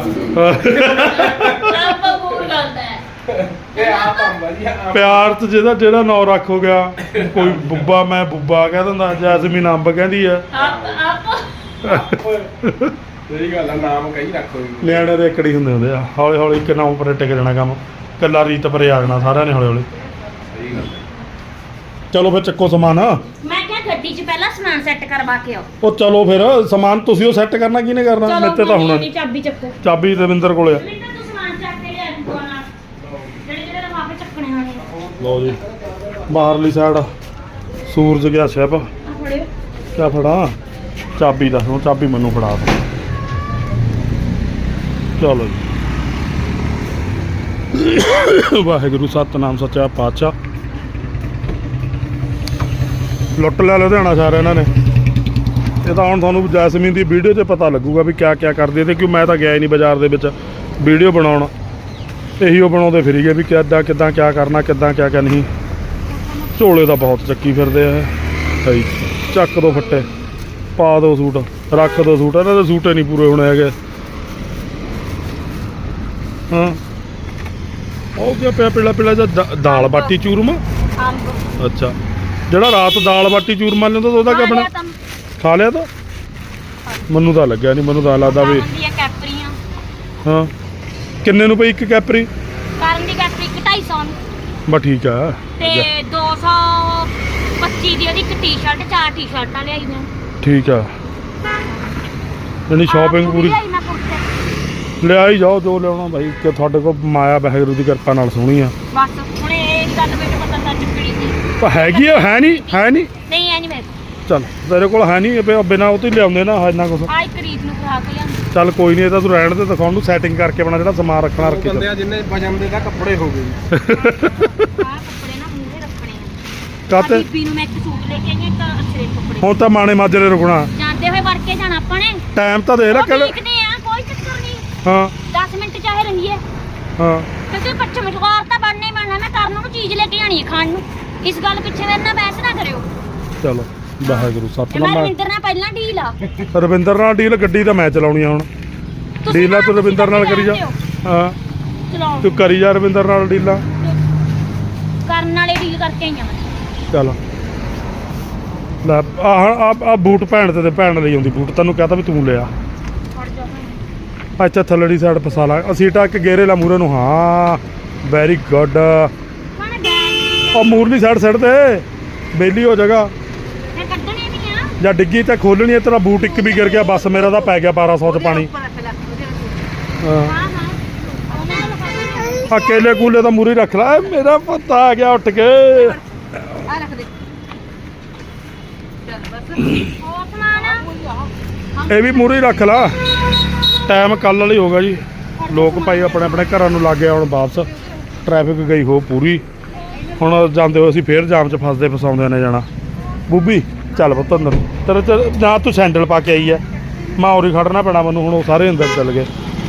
ਅੰਬ ਭੂਲ ਕਰਦਾ ਹੈ
ਇਹ ਆਪ ਅੰਬ ਆ ਜੀ ਆਪ
ਪਿਆਰ 'ਚ ਜਿਹਦਾ ਜਿਹੜਾ ਨਾਂ ਰੱਖ ਹੋ ਗਿਆ ਕੋਈ ਬੁੱਬਾ ਮੈਂ ਬੁੱਬਾ ਕਹਿ ਦਿੰਦਾ ਜੈਸਮੀਨ ਅੰਬ ਕਹਿੰਦੀ ਆ
ਆਪ ਆਪ
ਸਹੀ ਗੱਲ ਆ ਨਾਮ ਕਈ ਰੱਖੋ ਜੀ
ਨਿਆਣੇ ਦੇ ਇਕੜੀ ਹੁੰਦੇ ਹੁੰਦੇ ਆ ਹੌਲੀ ਹੌਲੀ ਇੱਕ ਨਾਮ ਉੱਪਰ ਟਿਕ ਜਾਣਾ ਕੰਮ ਕੱਲਾ ਰੀਤ ਪਰੇ ਆ ਜਾਣਾ ਸਾਰਿਆਂ ਨੇ ਹੌਲੀ ਹੌਲੀ
ਸਹੀ ਗੱਲ
ਚਲੋ ਫਿਰ ਚੱਕੋ ਸਮਾਨ
ਮੈਂ ਕਿਹਾ ਗੱਡੀ 'ਚ ਪਹਿਲਾਂ ਸਮਾਨ ਸੈੱਟ ਕਰਵਾ ਕੇ ਆਓ
ਉਹ ਚਲੋ ਫਿਰ ਸਮਾਨ ਤੁਸੀਂ ਉਹ ਸੈੱਟ ਕਰਨਾ ਕਿਹਨੇ ਕਰਨਾ ਮੇਰੇ ਤੇ ਤਾਂ ਹੋਣਾ
ਨਹੀਂ ਚਾਬੀ ਚੱਕੋ
ਚਾਬੀ ਰਵਿੰਦਰ ਕੋਲੇ ਆ
ਰਵਿੰਦਰ ਤੂੰ ਸਮਾਨ ਚੱਕ ਕੇ ਲਿਆ ਦੋ ਨਾਲ ਜਿਹੜੇ ਜਿਹੜੇ ਲਫਾਫੇ ਚੱਕਣੇ ਹੋਣੇ ਆ
ਲਓ ਜੀ ਬਾਹਰਲੀ ਸਾਈਡ ਸੂਰਜ ਗਿਆ ਸ਼ਿਪ
ਆਹ ਫੜਿਓ
ਕਿਆ ਫੜਾ ਚਾਬੀ ਦਾ ਹੁਣ ਚਾਬੀ ਮੈਨੂੰ ਫੜਾ ਦੋ ਚਲੋ ਜੀ ਵਾਹਿਗੁਰੂ ਸਤਨਾਮ ਸੱਚਾ ਪਾਤਸ਼ਾਹ ਲੁੱਟ ਲਿਆ ਲੁਧਿਆਣਾ ਸਾਰਾ ਇਹਨਾਂ ਨੇ ਇਹ ਤਾਂ ਹੁਣ ਤੁਹਾਨੂੰ ਜੈਸਮੀਨ ਦੀ ਵੀਡੀਓ 'ਚ ਪਤਾ ਲੱਗੂਗਾ ਵੀ ਕਿਆ ਕਿਆ ਕਰਦੇ ਤੇ ਕਿਉਂ ਮੈਂ ਤਾਂ ਗਿਆ ਹੀ ਨਹੀਂ ਬਾਜ਼ਾਰ ਦੇ ਵਿੱਚ ਵੀਡੀਓ ਬਣਾਉਣ ਇਹੀ ਉਹ ਬਣਾਉਂਦੇ ਫਿਰੀ ਗਏ ਵੀ ਕਿੱਦਾਂ ਕਿੱਦਾਂ ਕਿਆ ਕਰਨਾ ਕਿੱਦਾਂ ਕਿਆ ਕਿਆ ਨਹੀਂ ਝੋਲੇ ਤਾਂ ਬਹੁਤ ਚੱਕੀ ਫਿਰਦੇ ਆ ਸਹੀ ਚੱਕ ਦੋ ਫੱਟੇ ਪਾ ਦੋ ਸੂਟ ਰੱਖ ਦੋ ਸੂਟ ਇਹਨਾਂ ਦੇ ਸੂਟੇ ਨਹੀਂ ਪੂਰੇ ਹੋਣੇ ਹੈਗੇ ਹਾਂ ਉਹ ਕਿਆ ਪਿਆ ਪੀਲਾ ਪੀਲਾ ਜਿਹਾ ਦਾਲ ਬਾਟੀ ਚੂਰਮਾ
ਅੰਬ
ਅੱਛਾ ਜਿਹੜਾ ਰਾਤ ਦਾਲ ਬਾਟੀ ਚੂਰਮਾ ਲਿਆਉਂਦਾ ਤਾਂ ਉਹਦਾ ਕਿਆ ਬਣਾ ਖਾ ਲਿਆ ਤਾਂ ਮੈਨੂੰ ਤਾਂ ਲੱਗਿਆ ਨਹੀਂ ਮੈਨੂੰ ਤਾਂ ਲੱਗਦਾ ਵੀ
ਦੀਆਂ ਕੈਪਰੀਆਂ
ਹਾਂ ਕਿੰਨੇ ਨੂੰ ਪਈ ਇੱਕ ਕੈਪਰੀ
ਕਰਨ ਦੀ ਕੈਪਰੀ ਢਾਈ ਸੌ ਨੂੰ
ਬਸ ਠੀਕ ਆ
ਤੇ ਦੋ ਸੌ ਪੱਚੀ ਦੀ ਉਹਦੀ ਇੱਕ ਟੀ-ਸ਼ਰਟ ਚਾਰ ਟੀ-ਸ਼ਰਟਾਂ ਲਿਆਈ ਮੈਂ
ਠੀਕ ਆ ਯਾਨੀ ਸ਼ਾਪਿੰਗ ਪੂਰੀ
ਲਿਆਈ ਮੈਂ ਕੁਰਤੇ
ਲਿਆ ਹੀ ਜਾਓ ਜੋ ਲਿਆਉਣਾ ਭਾਈ ਕਿ ਤੁਹਾਡੇ ਕੋਲ ਮਾਇਆ ਵਾਹਿਗੁਰੂ ਦੀ ਕਿਰਪਾ ਨਾਲ ਸੋਹਣੀ ਆ
ਬਸ ਹੁਣ ਇਹ ਮੇਰੀ ਗੱਲ ਮੈਨੂੰ ਪਤਾ ਤਾਂ ਚੁੱਕਣੀ ਸੀ
ਤਾਂ ਹੈਗੀ ਆ, ਹੈ ਨਹੀਂ ਹੈ ਨਹੀਂ
ਨਹੀਂ ਐ ਨਹੀਂ ਮੈਂ
ਚੱਲ ਤੇਰੇ ਕੋਲ ਹੈ ਨਹੀਂ ਬਿਨਾਂ ਉਹ ਤੋਂ ਹੀ ਲਿਆਉਂਦੇ ਨਾ ਇੰਨਾ ਕੁਛ
ਆ ਇੱਕ ਰੀਤ ਨੂੰ ਖਾ ਕੇ ਲਿਆਂਦੀ
ਚੱਲ ਕੋਈ ਨਹੀਂ, ਇਹ ਤਾਂ ਤੂੰ ਰਹਿਣ ਦੇ, ਦਿਖਾਉਣ ਨੂੰ ਸੈਟਿੰਗ ਕਰਕੇ ਆਪਣਾ ਜਿਹੜਾ ਸਮਾਨ ਰੱਖਣਾ ਰੱਖੀ
ਬੰਦੇ
ਚੱਲ।
ਆ ਜਿੰਨੇ ਵਜਨ ਦੇ ਤਾਂ ਕੱਪੜੇ ਹੋ ਗਏ
ਆ ਕੱਪੜੇ ਨਾ ਮੂਹਰੇ ਰੱਖਣੇ ਆ
ਕਾਤੇ
ਬੀਬੀ ਨੂੰ ਮੈਂ ਇੱਕ ਸੂਟ ਲੈ ਕੇ ਆਈ ਇੱਕ ਅਛਰੇ ਕੱਪੜੇ
ਹੁਣ ਤਾਂ ਮਾਣੇ ਮਾਜਰੇ ਰੁਕਣਾ
ਜਾਂਦੇ ਹੋਏ ਵੜ ਕੇ ਜਾਣਾ ਆਪਾਂ ਨੇ
ਟਾਈਮ ਤਾਂ ਦੇ ਲੈ
ਉਹ
ਕਿਹੜੇ
ਦੇਖਦੇ ਆ ਕੋਈ ਚੱਕਰ ਨਹੀਂ
ਹਾਂ
ਦਸ ਮਿੰਟ ਚਾਹੇ ਰਹੀਏ
ਹਾਂ
ਕਿਉਂਕਿ ਪੱਛਮ ਮਸ਼ਵਾਰ ਤਾਂ ਬਣਨਾ ਹੀ ਬਣਨਾ ਮੈਂ ਕਰਨ ਨੂੰ ਚੀਜ਼ ਲੈ ਕੇ ਜਾਣੀ ਹੈ ਖਾਣ ਨੂੰ ਇਸ ਗੱਲ ਪਿੱਛੇ ਮੇਰੇ ਨਾਲ ਬਹਿਸ ਨਾ ਕਰਿਓ
ਚਲੋ ਵਾਹਿਗੁਰੂ
ਤੇ ਮੈਂ
ਸਤਨਾਮ।
ਰਵਿੰਦਰ ਨਾਲ ਪਹਿਲਾਂ ਡੀਲ ਆ
ਰਵਿੰਦਰ ਨਾਲ ਡੀਲ, ਗੱਡੀ ਤਾਂ ਮੈਂ ਚਲਾਉਣੀ ਆ ਹੁਣ।
ਤੁਸੀਂ
ਡੀਲ ਆ ਤੂੰ
ਨਾ
ਰਵਿੰਦਰ ਨਾਲ ਕਰੀ ਜਾ।
ਦਿਓ।
ਹਾਂ
ਚਲਾਓ
ਤੂੰ ਕਰੀ ਜਾ ਰਵਿੰਦਰ ਨਾਲ ਡੀਲਾਂ।
ਕਰਨ ਵਾਲੇ ਡੀਲ ਕਰਕੇ ਆਈਆਂ ਮੈਂ
ਚੱਲ ਲੈ ਆਹ ਆ ਆ ਬੂਟ ਭੈਣ ਤੇ ਤੇ ਭੈਣ ਲਈ ਆਉਂਦੀ ਬੂਟ, ਤੈਨੂੰ ਕਹਤਾ ਵੀ ਤੂੰ ਲਿਆ।
ਫੜ ਜਾ
ਅੱਛਾ ਥੱਲੜੀ ਸਾਈਡ ਫਸਾ ਲਾ, ਅਸੀਂ ਟੱਕ ਗੇਰੇ ਲਾ ਮੂਰੇ ਨੂੰ। ਹਾਂ ਵੈਰੀ ਗੁੱਡ।
ਹੁਣ ਗੈਸ
ਉਹ ਮੂਰਲੀ ਸਾਈਡ ਸਾਈਡ ਤੇ ਬੇਲੀ ਹੋ ਜਾਏਗਾ,
ਮੈਂ ਕੱਢਣੇ ਵੀ ਆ
ਜਾਂ ਡਿੱਗੀ ਤੇ ਖੋਲਣੀ ਹੈ। ਤੇਰਾ ਬੂਟ ਇੱਕ ਵੀ ਗਿਰ ਗਿਆ ਬਸ, ਮੇਰਾ ਤਾਂ ਪੈ ਗਿਆ ਬਾਰਾਂ ਸੌ ਚ ਪਾਣੀ। ਹਾਂ
ਹਾਂ ਹਾਂ ਉਹਨਾਂ ਨੂੰ ਲਗਾ ਦੇ
ਆ ਕੇਲੇ ਕੂਲੇ ਤਾਂ ਮੂਰੀ ਰੱਖ ਲੈ, ਮੇਰਾ ਪਤਾ ਆ ਗਿਆ ਉੱਠ ਕੇ।
ਆ ਰੱਖ ਦੇ ਚੱਲ ਬਸ
ਹੋਰ ਸਮਾਨ
ਇਹ ਵੀ ਮੂਰੀ ਰੱਖ ਲਾ। ਟਾਈਮ ਕੱਲ ਵਾਲੀ ਹੋਗਾ ਜੀ, ਲੋਕ ਭਾਈ ਆਪਣੇ ਆਪਣੇ ਘਰਾਂ ਨੂੰ ਲੱਗ ਗਏ ਹੁਣ ਵਾਪਸ। ਟ੍ਰੈਫਿਕ ਗਈ ਹੋ ਪੂਰੀ, ਹੁਣ ਜਾਂਦੇ ਹੋ ਅਸੀਂ ਫੇਰ ਜਾਮ 'ਚ ਫਸਦੇ ਫਸਾਉਂਦੇ ਨੇ ਜਾਣਾ। ਬੂਬੀ ਚੱਲ ਪੁੱਤ ਅੰਦਰ, ਤੇਰੇ ਚ ਨਾ ਤੂੰ ਸੈਂਡਲ ਪਾ ਕੇ ਆਈ ਹੈ, ਮੈਂ ਉਰੀ ਖੜਨਾ ਪੈਣਾ ਮੈਨੂੰ ਹੁਣ। ਉਹ ਸਾਰੇ ਅੰਦਰ ਚੱਲ ਗਏ।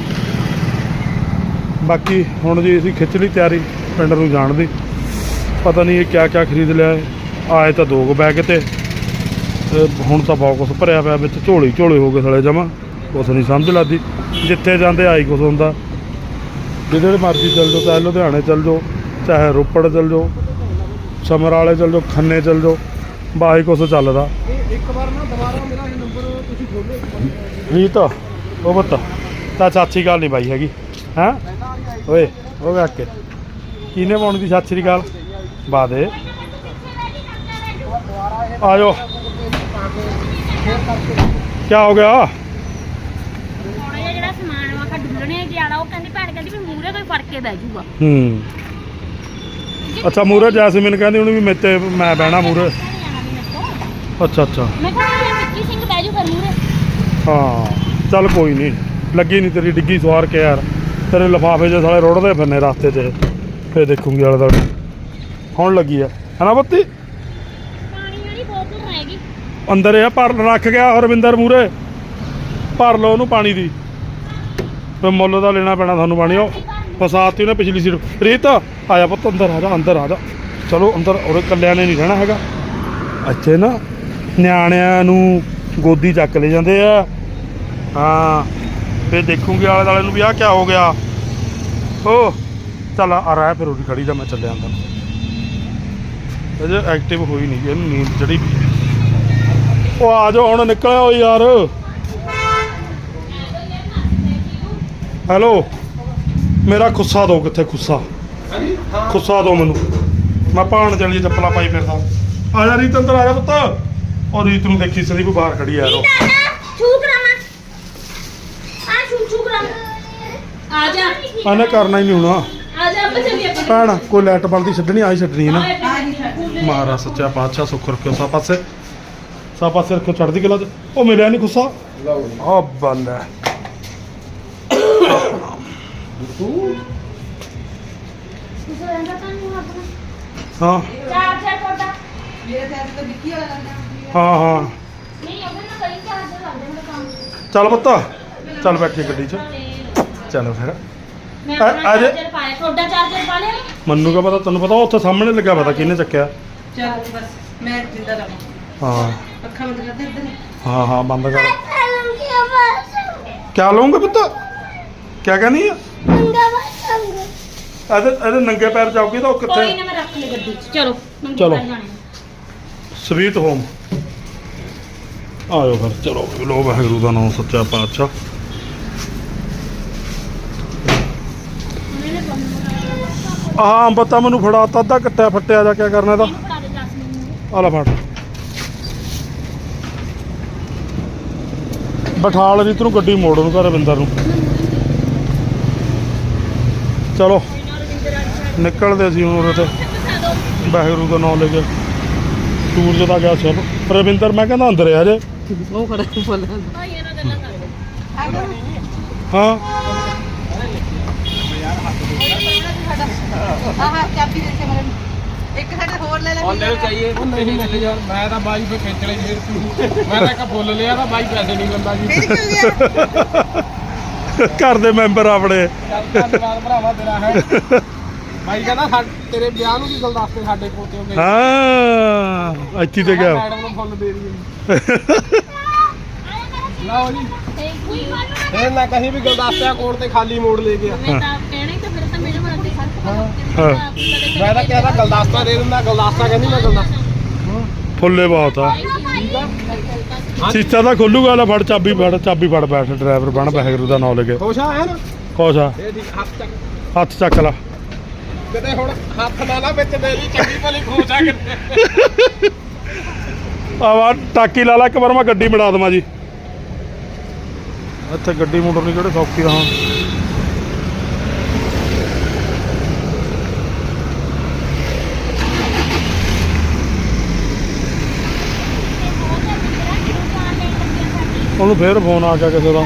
ਬਾਕੀ ਹੁਣ ਜੀ ਅਸੀਂ ਖਿੱਚ ਲਈ ਤਿਆਰੀ ਪਿੰਡ ਨੂੰ ਜਾਣ ਦੀ। ਪਤਾ ਨਹੀਂ ਇਹ ਕਿਆ ਕਿਆ ਖਰੀਦ ਲਿਆ ਹੈ। ਆਏ ਤਾਂ ਦੋ ਕੁ ਬੈਗ ਤੇ ਤੇ ਹੁਣ ਤਾਂ ਬਹੁਤ ਕੁਛ ਭਰਿਆ ਪਿਆ ਵਿੱਚ, ਝੋਲੀ ਝੋਲੇ ਹੋ ਗਏ ਸਾਲੇ ਜਮਾ, ਕੁਛ ਨਹੀਂ ਸਮਝ ਲੱਗਦੀ। ਜਿੱਥੇ ਜਾਂਦੇ ਆਈ ਕੁਛ ਹੁੰਦਾ, ਜਿੱਧਰ ਮਰਜ਼ੀ ਚੱਲ ਜਾਓ, ਚਾਹੇ ਲੁਧਿਆਣੇ ਚੱਲ ਜਾਓ, ਚਾਹੇ ਰੋਪੜ ਚੱਲ ਜਾਓ, ਸਮਰਾਲੇ ਚੱਲ ਜਾਓ, ਖੰਨੇ ਚੱਲ ਜਾਓ, ਬਾਈ ਕੁਛ ਚੱਲਦਾ।
ਇਹ ਇੱਕ ਵਾਰ ਨਾ ਦੁਬਾਰਾ ਮੇਰਾ ਇਹ ਨੰਬਰ ਤੁਸੀਂ ਖੋਲੋ।
ਰੀਤ ਉਹ ਬੱਤਾ ਤਾਂ ਸਤਿ ਸ਼੍ਰੀ ਅਕਾਲ ਨਹੀਂ ਬਾਈ ਹੈਗੀ ਹੈਂ ਓਏ ਉਹ ਵੇ ਕੇ ਕਿਹਨੇ ਪਾਉਣੀ ਦੀ ਸਤਿ ਸ਼੍ਰੀ ਅਕਾਲ ਬਾ ਦੇ। ਆ ਜਾਓ ਕਿਆ ਹੋ ਗਿਆ?
ਥੋੜਾ ਜਿਹਾ ਜਿਹੜਾ ਸਮਾਨ ਵਾ ਕਾ ਡੁੱਲਣੇ ਜਿਆਦਾ, ਉਹ ਕਹਿੰਦੀ ਭੈਣ ਕਹਿੰਦੀ ਵੀ ਮੂਹਰੇ ਕੋਈ ਫੜ ਕੇ ਬਹਿ ਜਾਊਗਾ।
ਹੂੰ ਅੱਛਾ ਮੂਰੇ ਜੈਸਮੀਨ ਕਹਿੰਦੀ ਉਹਨੂੰ ਵੀ ਮੇਤੇ ਮੈਂ ਬਹਿਣਾ ਮੂਰੇ। ਅੱਛਾ ਅੱਛਾ
ਮੈਂ ਕਿਹਾ ਵਿੱਕੀ ਸਿੰਘ ਬਹਿ ਜਾਊ ਫਿਰ ਮੂਹਰੇ।
ਹਾਂ ਚੱਲ ਕੋਈ ਨਹੀਂ, ਲੱਗੀ ਨਹੀਂ ਤੇਰੀ ਡਿੱਗੀ ਸਵਾਰ ਕੇ ਯਾਰ। ਤੇਰੇ ਲਿਫਾਫੇ ਜੇ ਸਾਲੇ ਰੋੜਦੇ ਫਿਰਨੇ ਰਸਤੇ 'ਚ, ਫੇਰ ਦੇਖੂੰਗੀ ਆਲੇ ਦੁਆਲੇ। ਹੁਣ ਲੱਗੀ ਆ ਹਨਾ ਬੱਤੀ?
ਪਾਣੀ ਵਾਲੀ ਬੋਤਲ ਰਹੇਗੀ
ਅੰਦਰ ਇਹ ਭਰ ਰੱਖ ਗਿਆ ਹਰਵਿੰਦਰ ਮੂਰੇ, ਭਰ ਲਓ ਉਹਨੂੰ ਪਾਣੀ ਦੀ। ਫਿਰ ਮੁੱਲ ਦਾ ਲੈਣਾ ਪੈਣਾ ਤੁਹਾਨੂੰ ਪਾਣੀ। ਉਹ ਫਸਾਤੀ ਉਹਨੇ ਪਿਛਲੀ ਸੀਟ। ਰੀਤ ਆਇਆ ਪੁੱਤ ਅੰਦਰ ਆ ਜਾ, ਅੰਦਰ ਆ ਜਾ। ਚਲੋ ਅੰਦਰ, ਉਹਦੇ ਇਕੱਲਿਆਂ ਨੇ ਨਹੀਂ ਰਹਿਣਾ ਹੈਗਾ ਇੱਥੇ ਨਾ, ਨਿਆਣਿਆਂ ਨੂੰ ਗੋਦੀ ਚੱਕ ਲੈ ਜਾਂਦੇ ਆ। ਹਾਂ ਫਿਰ ਦੇਖੂੰਗੇ ਆਲੇ ਦੁਆਲੇ ਨੂੰ ਵੀ ਆਹ ਕਿਆ ਹੋ ਗਿਆ। ਓ ਚੱਲ ਆ ਰਹਿ ਫਿਰ ਉਹਦੀ ਖੜੀ ਦਾ, ਮੈਂ ਚੱਲਿਆ ਅੰਦਰ। ਅਜੇ ਐਕਟਿਵ ਹੋਈ ਨਹੀਂ, ਇਹਨੂੰ ਨੀਂਦ ਚੜੀ ਪਈ। ਉਹ ਆ ਜਾਓ ਹੁਣ, ਨਿਕਲਿਆ ਓ ਯਾਰ। ਹੈਲੋ ਮੇਰਾ ਖੁੱਸਾ ਦਿਓ, ਕਿੱਥੇ ਖੁੱਸਾ?
ਹਾਂਜੀ ਹਾਂ
ਖੁੱਸਾ ਦਿਓ ਮੈਨੂੰ, ਮੈਂ ਭਾਣ ਚਲੀ ਚੱਪਲਾਂ ਪਾਈ ਫਿਰਦਾ। ਆ ਜਾ ਰੀਤ ਅੰਦਰ ਆ ਜਾ ਪੁੱਤ। ਉਹ ਰੀਤ ਨੂੰ ਦੇਖੀ ਸੰਦੀਪ ਬਾਹਰ ਖੜੀ ਯਾਰ। ਉਹ
ਛੂ ਕਰਾਵਾਂ ਆ ਛੂ ਛੂ ਕਰਾਵਾਂ ਆ ਜਾ
ਇਹਨੇ ਕਰਨਾ ਹੀ ਨਹੀਂ ਹੋਣਾ।
ਆ ਜਾ ਆਪਾਂ ਚੱਲੀਏ ਆਪਾਂ
ਭੈਣ ਕੋਈ ਲਾਈਟ ਬੰਦੀ ਛੱਡਣੀ ਆਈ ਛੱਡਣੀ ਨਾ।
ਆ ਜੀ ਛੱਡ
ਮਹਾਰਾਜ ਸੱਚਾ ਪਾਤਸ਼ਾਹ ਸੁੱਖ ਰੱਖਿਓ ਸਭ ਪਾਸੇ, ਸਭ ਪਾਸੇ ਰੱਖਿਓ ਚੜ੍ਹਦੀ ਕਲਾ 'ਚ। ਉਹ ਮਿਲਿਆ ਨਹੀਂ ਖੁੱਸਾ?
ਲਓ
ਆ ਬੱਲੇ
ਤੂੰ
ਤੁਸੀਂ ਰਹਿੰਦਾ ਤਾਂ ਨਹੀਂ ਆਪਣਾ
ਹਾਂ
ਚਾਰ ਚਾਰ ਕੋਟਾ
ਮੇਰੇ ਸਾਥ ਤਾਂ ਵਿੱਕੀ ਵਾਲਾ ਲੰਦਾ।
ਹਾਂ ਹਾਂ
ਨਹੀਂ ਉਹਦੇ ਨਾਲ ਕਈ ਚਾਰਜਰ ਲੱਗਦੇ ਮੇਰੇ ਕੰਮ
ਚੱਲ ਪੁੱਤ ਚੱਲ ਬੈਠੀ ਗੱਡੀ 'ਚ ਚੱਲ ਫਿਰ।
ਮੈਂ
ਆ-
ਆਪਣਾ
ਆ ਜਾ।
ਚਾਰਜਰ ਪਾਇਆ, ਤੁਹਾਡਾ ਚਾਰਜਰ ਪਾ ਲਿਆ?
ਮੈਨੂੰ ਕਾ ਪਤਾ, ਤੈਨੂੰ ਪਤਾ ਉਹ ਉੱਥੇ ਸਾਹਮਣੇ ਲੱਗਾ ਪਤਾ ਕਿਹਨੇ ਚੱਕਿਆ।
ਚੱਲ ਬਸ ਮੈਂ ਜਿੰਦਾ ਰਹਾਂ।
ਹਾਂ
ਅੱਖਾਂ ਬੰਦ ਕਰ ਦੇ ਇੱਧਰ।
ਹਾਂ ਹਾਂ ਬੰਦ ਕਰ। ਕਿਆ ਲਊਂਗੇ ਪੁੱਤ? ਕਿਆ ਕਹਿੰਦੀ ਆ? ਇਹਦੇ ਇਹਦੇ ਨੰਗੇ ਪੈਰ ਜਾਓਗੇ ਤਾਂ ਉਹ
ਕੋਈ
ਕਿੱਥੇ?
ਨਾ ਮੈਂ ਰੱਖ ਲਈ ਗੱਡੀ 'ਚ। ਚਲੋ ਮੰਗੀ
ਚਲੋ।
ਕਰ ਜਾਣੇ
ਸਵੀਟ ਹੋਮ ਆਇਓ ਫਿਰ। ਚਲੋ ਲੋ ਵਾਹਿਗੁਰੂ ਦਾ ਨਾਮ ਸੱਚਾ ਪਾਤਸ਼ਾਹ। ਆਹ ਅੰਬ ਤਾਂ ਮੈਨੂੰ ਫੜਾਤਾ, ਅੱਧਾ ਕੱਟਿਆ ਫੱਟਿਆ ਜਾ ਕਿਆ ਕਰਨਾ ਇਹਦਾ?
ਇਹਨੂੰ ਫੜਾ ਦੇ ਜਸਮੀਨ ਨੂੰ।
ਆ ਲੈ ਫੜ। ਬਿਠਾ ਲੈ ਰੀਤ ਨੂੰ ਗੱਡੀ ਮੋੜ ਨੂੰ, ਘਰ ਰਵਿੰਦਰ ਨੂੰ। ਚਲੋ ਨਿਕਲਦੇ ਸੀ ਹੁਣ ਉਰੇ ਤੇ। ਵਾਹਿਗੁਰੂ ਦਾ ਨਾਮ ਲੈ ਕੇ ਸੂਰਜ ਦਾ ਗਿਆ ਚਲੋ ਪ੍ਰਵਿੰਦਰ ਮੈਂ ਕਹਿੰਦਾ ਅੰਦਰ ਆ ਜੇ
ਉਹ ਖੜਾ ਬੋਲ
ਹਾਂ
ਆਹ ਚਾਬੀ ਦੇ ਕੇ ਮਰਨ ਇੱਕ ਸਾਡੇ ਹੋਰ ਲੈ ਲੈ
ਲੈ ਚਾਹੀਏ ਉਹ ਨਹੀਂ ਲੈ ਯਾਰ ਮੈਂ ਤਾਂ ਬਾਈ ਫੇ ਖੇਚ ਲਈ ਫੇਰ ਤੂੰ ਮੈਂ ਤਾਂ ਇੱਕ ਬੋਲ ਲਿਆ ਤਾਂ ਬਾਈ ਪੈਸੇ ਨਹੀਂ ਦਿੰਦਾ ਜੀ
ਫਿਰ ਕਿਉਂ ਗਿਆ
ਘਰ ਦੇ ਮੈਂਬਰ ਆਪਣੇ
ਚੱਲ ਧੰਨਵਾਦ ਭਰਾਵਾ ਤੇਰਾ ਹੈ ਬਾਈ ਕਹਿੰਦਾ ਸਾ- ਤੇਰੇ ਵਿਆਹ ਨੂੰ ਕੀ ਗੁਲਦਸਤੇ ਸਾਡੇ ਪੋਤੇ ਹੋ ਗਏ
ਹਾਂ ਇੱਥੇ ਤੇ ਗਿਆ
ਮੈਡਮ ਨੂੰ ਫੁੱਲ ਦੇ ਦਈਏ ਲਓ ਜੀ ਫੇਰ ਨਾ ਕਹੀਂ ਵੀ ਗੁਲਦਸਤਿਆਂ ਕੋਲ ਤੇ ਖਾਲੀ ਮੋੜ ਲੈ ਗਿਆ
ਮੈਂ ਤਾਂ ਕਹਿਣਾ ਹੀ ਤਾਂ ਫਿਰ ਤਾਂ ਮੇਰੇ ਮਨ ਦੇ
ਹਾਂ
ਮੈਂ ਤਾਂ ਕਿਹਾ ਤਾਂ ਗੁਲਦਸਤਾ ਦੇ ਦਿੰਦਾ ਗੁਲਦਸਤਾ ਕਹਿੰਦੀ ਮੈਂ ਗੁਲਦਸਤਾ
ਫੁੱਲੇ ਬਹੁਤ ਆ
ਠੀਕ ਆ
ਸੀਸਾ ਤਾਂ ਖੋਲੂਗਾ ਲੈ ਫੜ ਚਾਬੀ ਫੜ ਚਾਬੀ ਫੜ ਬੈਠ ਡਰਾਈਵਰ ਬਣ ਵਾਹਿਗੁਰੂ ਦਾ ਨਾਮ ਲੈ ਕੇ
ਖੁਸ਼ ਆ ਹੈ ਨਾ
ਖੁਸ਼ ਆ
ਇਹ ਠੀਕ ਹੱਥ ਚੱਕ
ਹੱਥ ਚੱਕ ਲਾ
ਕਿਤੇ ਹੁਣ ਹੱਥ ਨਾ ਲਾ ਵਿੱਚ ਦੇ ਲਈ ਚੰਗੀ ਭਲੀ ਖੁਸ਼ ਆ ਕਿਤੇ
ਆਵਾ ਟਾਕੀ ਲਾ ਲਾ ਇੱਕ ਵਾਰ ਮੈਂ ਗੱਡੀ ਮੜਾ ਦੇਵਾਂ ਜੀ ਇੱਥੇ ਗੱਡੀ ਮੋਟਰਨੀ ਕਿਹੜੇ ਸੌਖੀ ਰਹਾਂ ਉਹਨੂੰ ਫੇਰ ਫੋਨ ਆ ਗਿਆ ਕਿਸੇ ਦਾ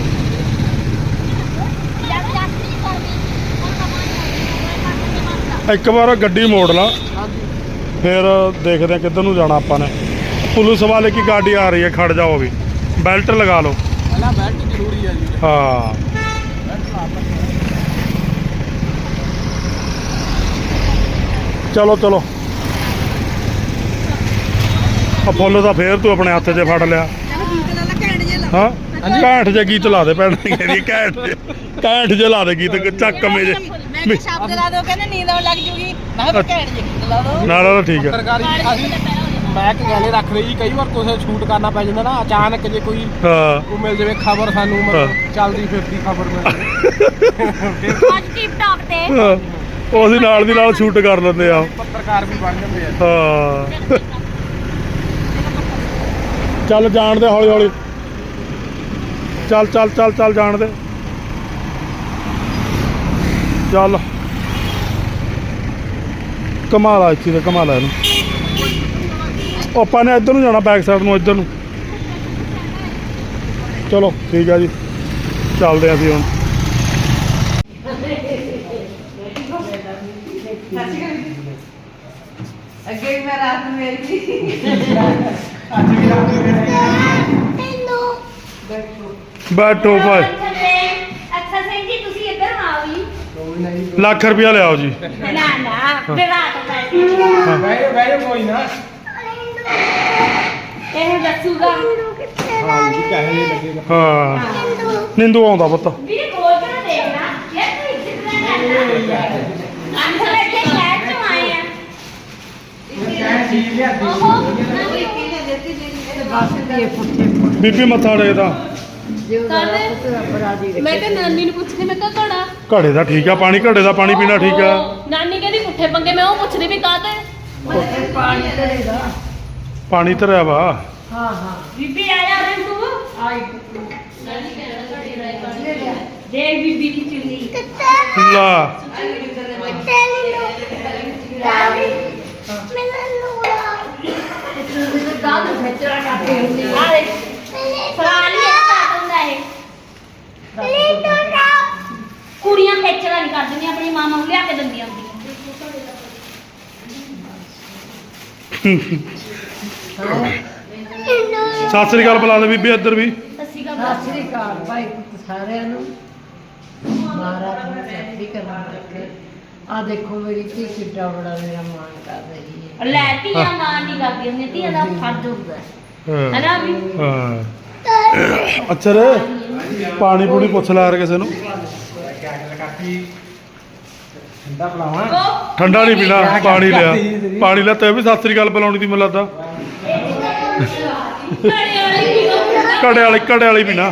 ਇੱਕ ਵਾਰ ਗੱਡੀ ਮੋੜ ਲਾ ਫਿਰ ਦੇਖਦੇ ਆ ਕਿੱਧਰ ਨੂੰ ਜਾਣਾ ਆਪਾਂ ਨੇ ਪੁਲਿਸ ਵਾਲੇ ਕੀ ਗਾੜੀ ਆ ਰਹੀ ਹੈ ਖੜ ਜਾਓ ਵੀ ਬੈਲਟ ਲਗਾ ਲਓ
ਪਹਿਲਾਂ ਬੈਲਟ ਜ਼ਰੂਰੀ ਆ ਜੀ
ਹਾਂ ਚਲੋ ਚਲੋ ਆ ਫੁੱਲ ਤਾਂ ਫੇਰ ਤੂੰ ਆਪਣੇ ਹੱਥ 'ਚ ਫੜ ਲਿਆ
ਗੀਤ ਲਾ ਲਾ ਘੈਂਟ ਜੇ ਲਾ
ਹਾਂ ਘੈਂਟ ਜੇ ਗੀਤ ਲਾ ਦੇ ਭੈਣ ਕਹਿੰਦੀ ਘੈਂਟ ਜੇ ਘੈਂਟ ਜੇ ਲਾ ਦੇ ਗੀਤ ਚੱਕ ਮੇ ਜੇ
ਮੈਂ ਕਿ ਸ਼ਬਦ ਲਾ ਦੋ ਕਹਿੰਦੇ ਨੀਂਦ ਆਉਣ ਲੱਗ ਜੂਗੀ ਮੈਂ ਕਿਹਾ ਘੈਂਟ ਜੇ ਗੀਤ ਲਾ ਦੋ
ਨਾਲ ਨਾਲ ਠੀਕ ਹੈ
ਪੱਤਰਕਾਰੀ ਅਸੀਂ ਮੈਂ ਇੱਕ ਗੱਲ ਰੱਖ ਲਈ ਜੀ ਕਈ ਵਾਰ ਕੁਛ ਸ਼ੂਟ ਕਰਨਾ ਪੈ ਜਾਂਦਾ ਨਾ ਅਚਾਨਕ ਜੇ ਕੋਈ
ਹਾਂ
ਉਹ ਮਿਲ ਜਾਵੇ ਖਬਰ ਸਾਨੂੰ ਮਤਲਬ ਚੱਲਦੀ ਫਿਰਦੀ ਖਬਰ ਮਿਲ ਜਾਵੇ
ਅੱਜ ਟਿਪ ਟਾਪ ਤੇ
ਹਾਂ, ਉਹ ਅਸੀਂ ਨਾਲ ਦੀ ਨਾਲ ਸ਼ੂਟ ਕਰ ਲੈਂਦੇ ਆ
ਪੱਤਰਕਾਰ ਵੀ ਬਣ ਜਾਂਦੇ ਆ
ਹਾਂ ਚੱਲ ਜਾਣ ਦੇ ਹੌਲੀ ਹੌਲੀ ਚੱਲ ਚੱਲ ਚੱਲ ਚੱਲ ਜਾਣ ਦੇ ਚੱਲ ਕਮਾਲ ਇੱਥੇ ਤੇ ਕਮਾਲ ਇਹਨੂੰ ਉਹ ਆਪਾਂ ਨੇ ਇੱਧਰ ਨੂੰ ਜਾਣਾ ਬੈਕ ਸਾਈਡ ਨੂੰ ਇੱਧਰ ਨੂੰ ਚਲੋ ਠੀਕ ਆ ਜੀ ਚੱਲਦੇ ਆ ਅਸੀਂ ਹੁਣ
ਅੱਗੇ ਵੀ ਮੈਂ ਰਾਤ ਨੂੰ ਮੇਰੀ ਸੀ
ਬੈਠੋ ਭਾਈ
ਅੱਛਾ ਸਿੰਘ ਜੀ ਤੁਸੀਂ ਇੱਧਰ ਆਓ ਜੀ
ਲੱਖ ਰੁਪਇਆ ਲਿਆਓ ਜੀ
ਨਾ ਨਾ ਵਿਵਾਹ ਤੋਂ ਪੈਸੇ
ਬਹਿ ਬਹਿ ਕੋਈ ਨਾ
ਇਹ ਦੱਸੂਗਾ
ਹਾਂ ਜੀ ਕਹੇ ਲੱਗੇਗਾ
ਹਾਂ ਨਿੰਦੂ ਆਉਂਦਾ ਪੁੱਤ
ਵੀਰੇ ਕੋਲ ਕਰ ਦੇਖਣਾ ਯਾਰ ਤੂੰ ਇੱਜ਼ਤ ਨਾ ਕਰਨਾ ਅੰਦਰ ਇੱਥੇ ਕੈਟ ਤੋਂ ਆਏ ਆ ਓਹੋ
ਬੀਬੀ ਮੱਥਾ ਟੇਕਦਾ
ਮੈਂ ਤਾਂ ਨਾਨੀ ਨੂੰ ਪੁੱਛਦੀ ਮੈਂ ਕਿਹਾ ਘੜਾ
ਘੜੇ ਦਾ ਠੀਕ ਆ ਪਾਣੀ ਘੜੇ ਦਾ ਪਾਣੀ ਪੀਣਾ ਠੀਕ ਆ
ਨਾਨੀ ਕਹਿੰਦੀ ਪੁੱਠੇ ਪੰਗੇ ਮੈਂ ਉਹ ਪੁੱਛਦੀ ਵੀ ਕਾਹਤੇ
ਪਾਣੀ ਧਰਿਆ ਵਾ
ਬੀਬੀ ਆਇਆ ਰੇ ਤੂੰ ਆਈ ਦੇਖ ਬੀਬੀ ਦੀ ਚੁੰਨੀ
ਲਾ
ਆ ਦੇ ਫਲਾਣੀ ਇਹ ਤਾਂ ਹੁੰਦਾ ਇਹ ਕੁੜੀਆਂ ਖੇਚਲਾ ਨਹੀਂ ਕਰਦੀਆਂ ਆਪਣੀ ਮਾਂ ਨੂੰ ਲਿਆ ਕੇ ਦਿੰਦੀਆਂ ਹੁੰਦੀਆਂ
ਸਤਿ ਸ੍ਰੀ ਅਕਾਲ ਬੁਲਾ ਦੇ ਬੀਬੀ ਇੱਧਰ ਵੀ
ਸੱਸੀ ਕਾ
ਸਤਿ ਸ੍ਰੀ ਅਕਾਲ ਭਾਈ ਪੁੱਤ ਸਾਰਿਆਂ ਨੂੰ ਮਹਾਰਾਜ ਨੂੰ ਸਤਿ ਕਰਨਾ ਰੱਖੇ ਆ ਦੇਖੋ ਮੇਰੀ ਧੀ ਕਿੱਡਾ ਬੜਾ ਮੇਰਾ ਮਾਣ ਕਰ ਰਹੀ ਹੈ
ਲੈ ਧੀਆਂ ਮਾਂ ਨਹੀਂ ਕਰਦੀ ਹੁੰਦੀਆਂ ਧੀਆਂ ਦਾ ਫਰਜ਼ ਹੁੰਦਾ ਹੈ
ਹਾਂ
ਹੈਨਾ ਵੀ
ਹਾਂ ਅੱਛਾ ਰੇ ਪਾਣੀ ਪੂਣੀ ਪੁੱਛ ਲਾ ਯਾਰ ਕਿਸੇ ਨੂੰ
ਠੰਡਾ ਪਲਾਵਾਂ
ਉਹ
ਠੰਡਾ ਨਹੀਂ ਪੀਣਾ ਪਾਣੀ ਲਿਆ ਪਾਣੀ ਲਿਆ ਤੇ ਵੀ ਸਤਿ ਸ੍ਰੀ ਅਕਾਲ ਬੁਲਾਉਣੀ ਦੀ ਮੈਨੂੰ ਲੱਗਦਾ
ਘੜੇ ਵਾਲੀ ਵੀ ਉਹ
ਘੜੇ ਵਾਲੀ ਘੜੇ ਵਾਲੀ ਪੀਣਾ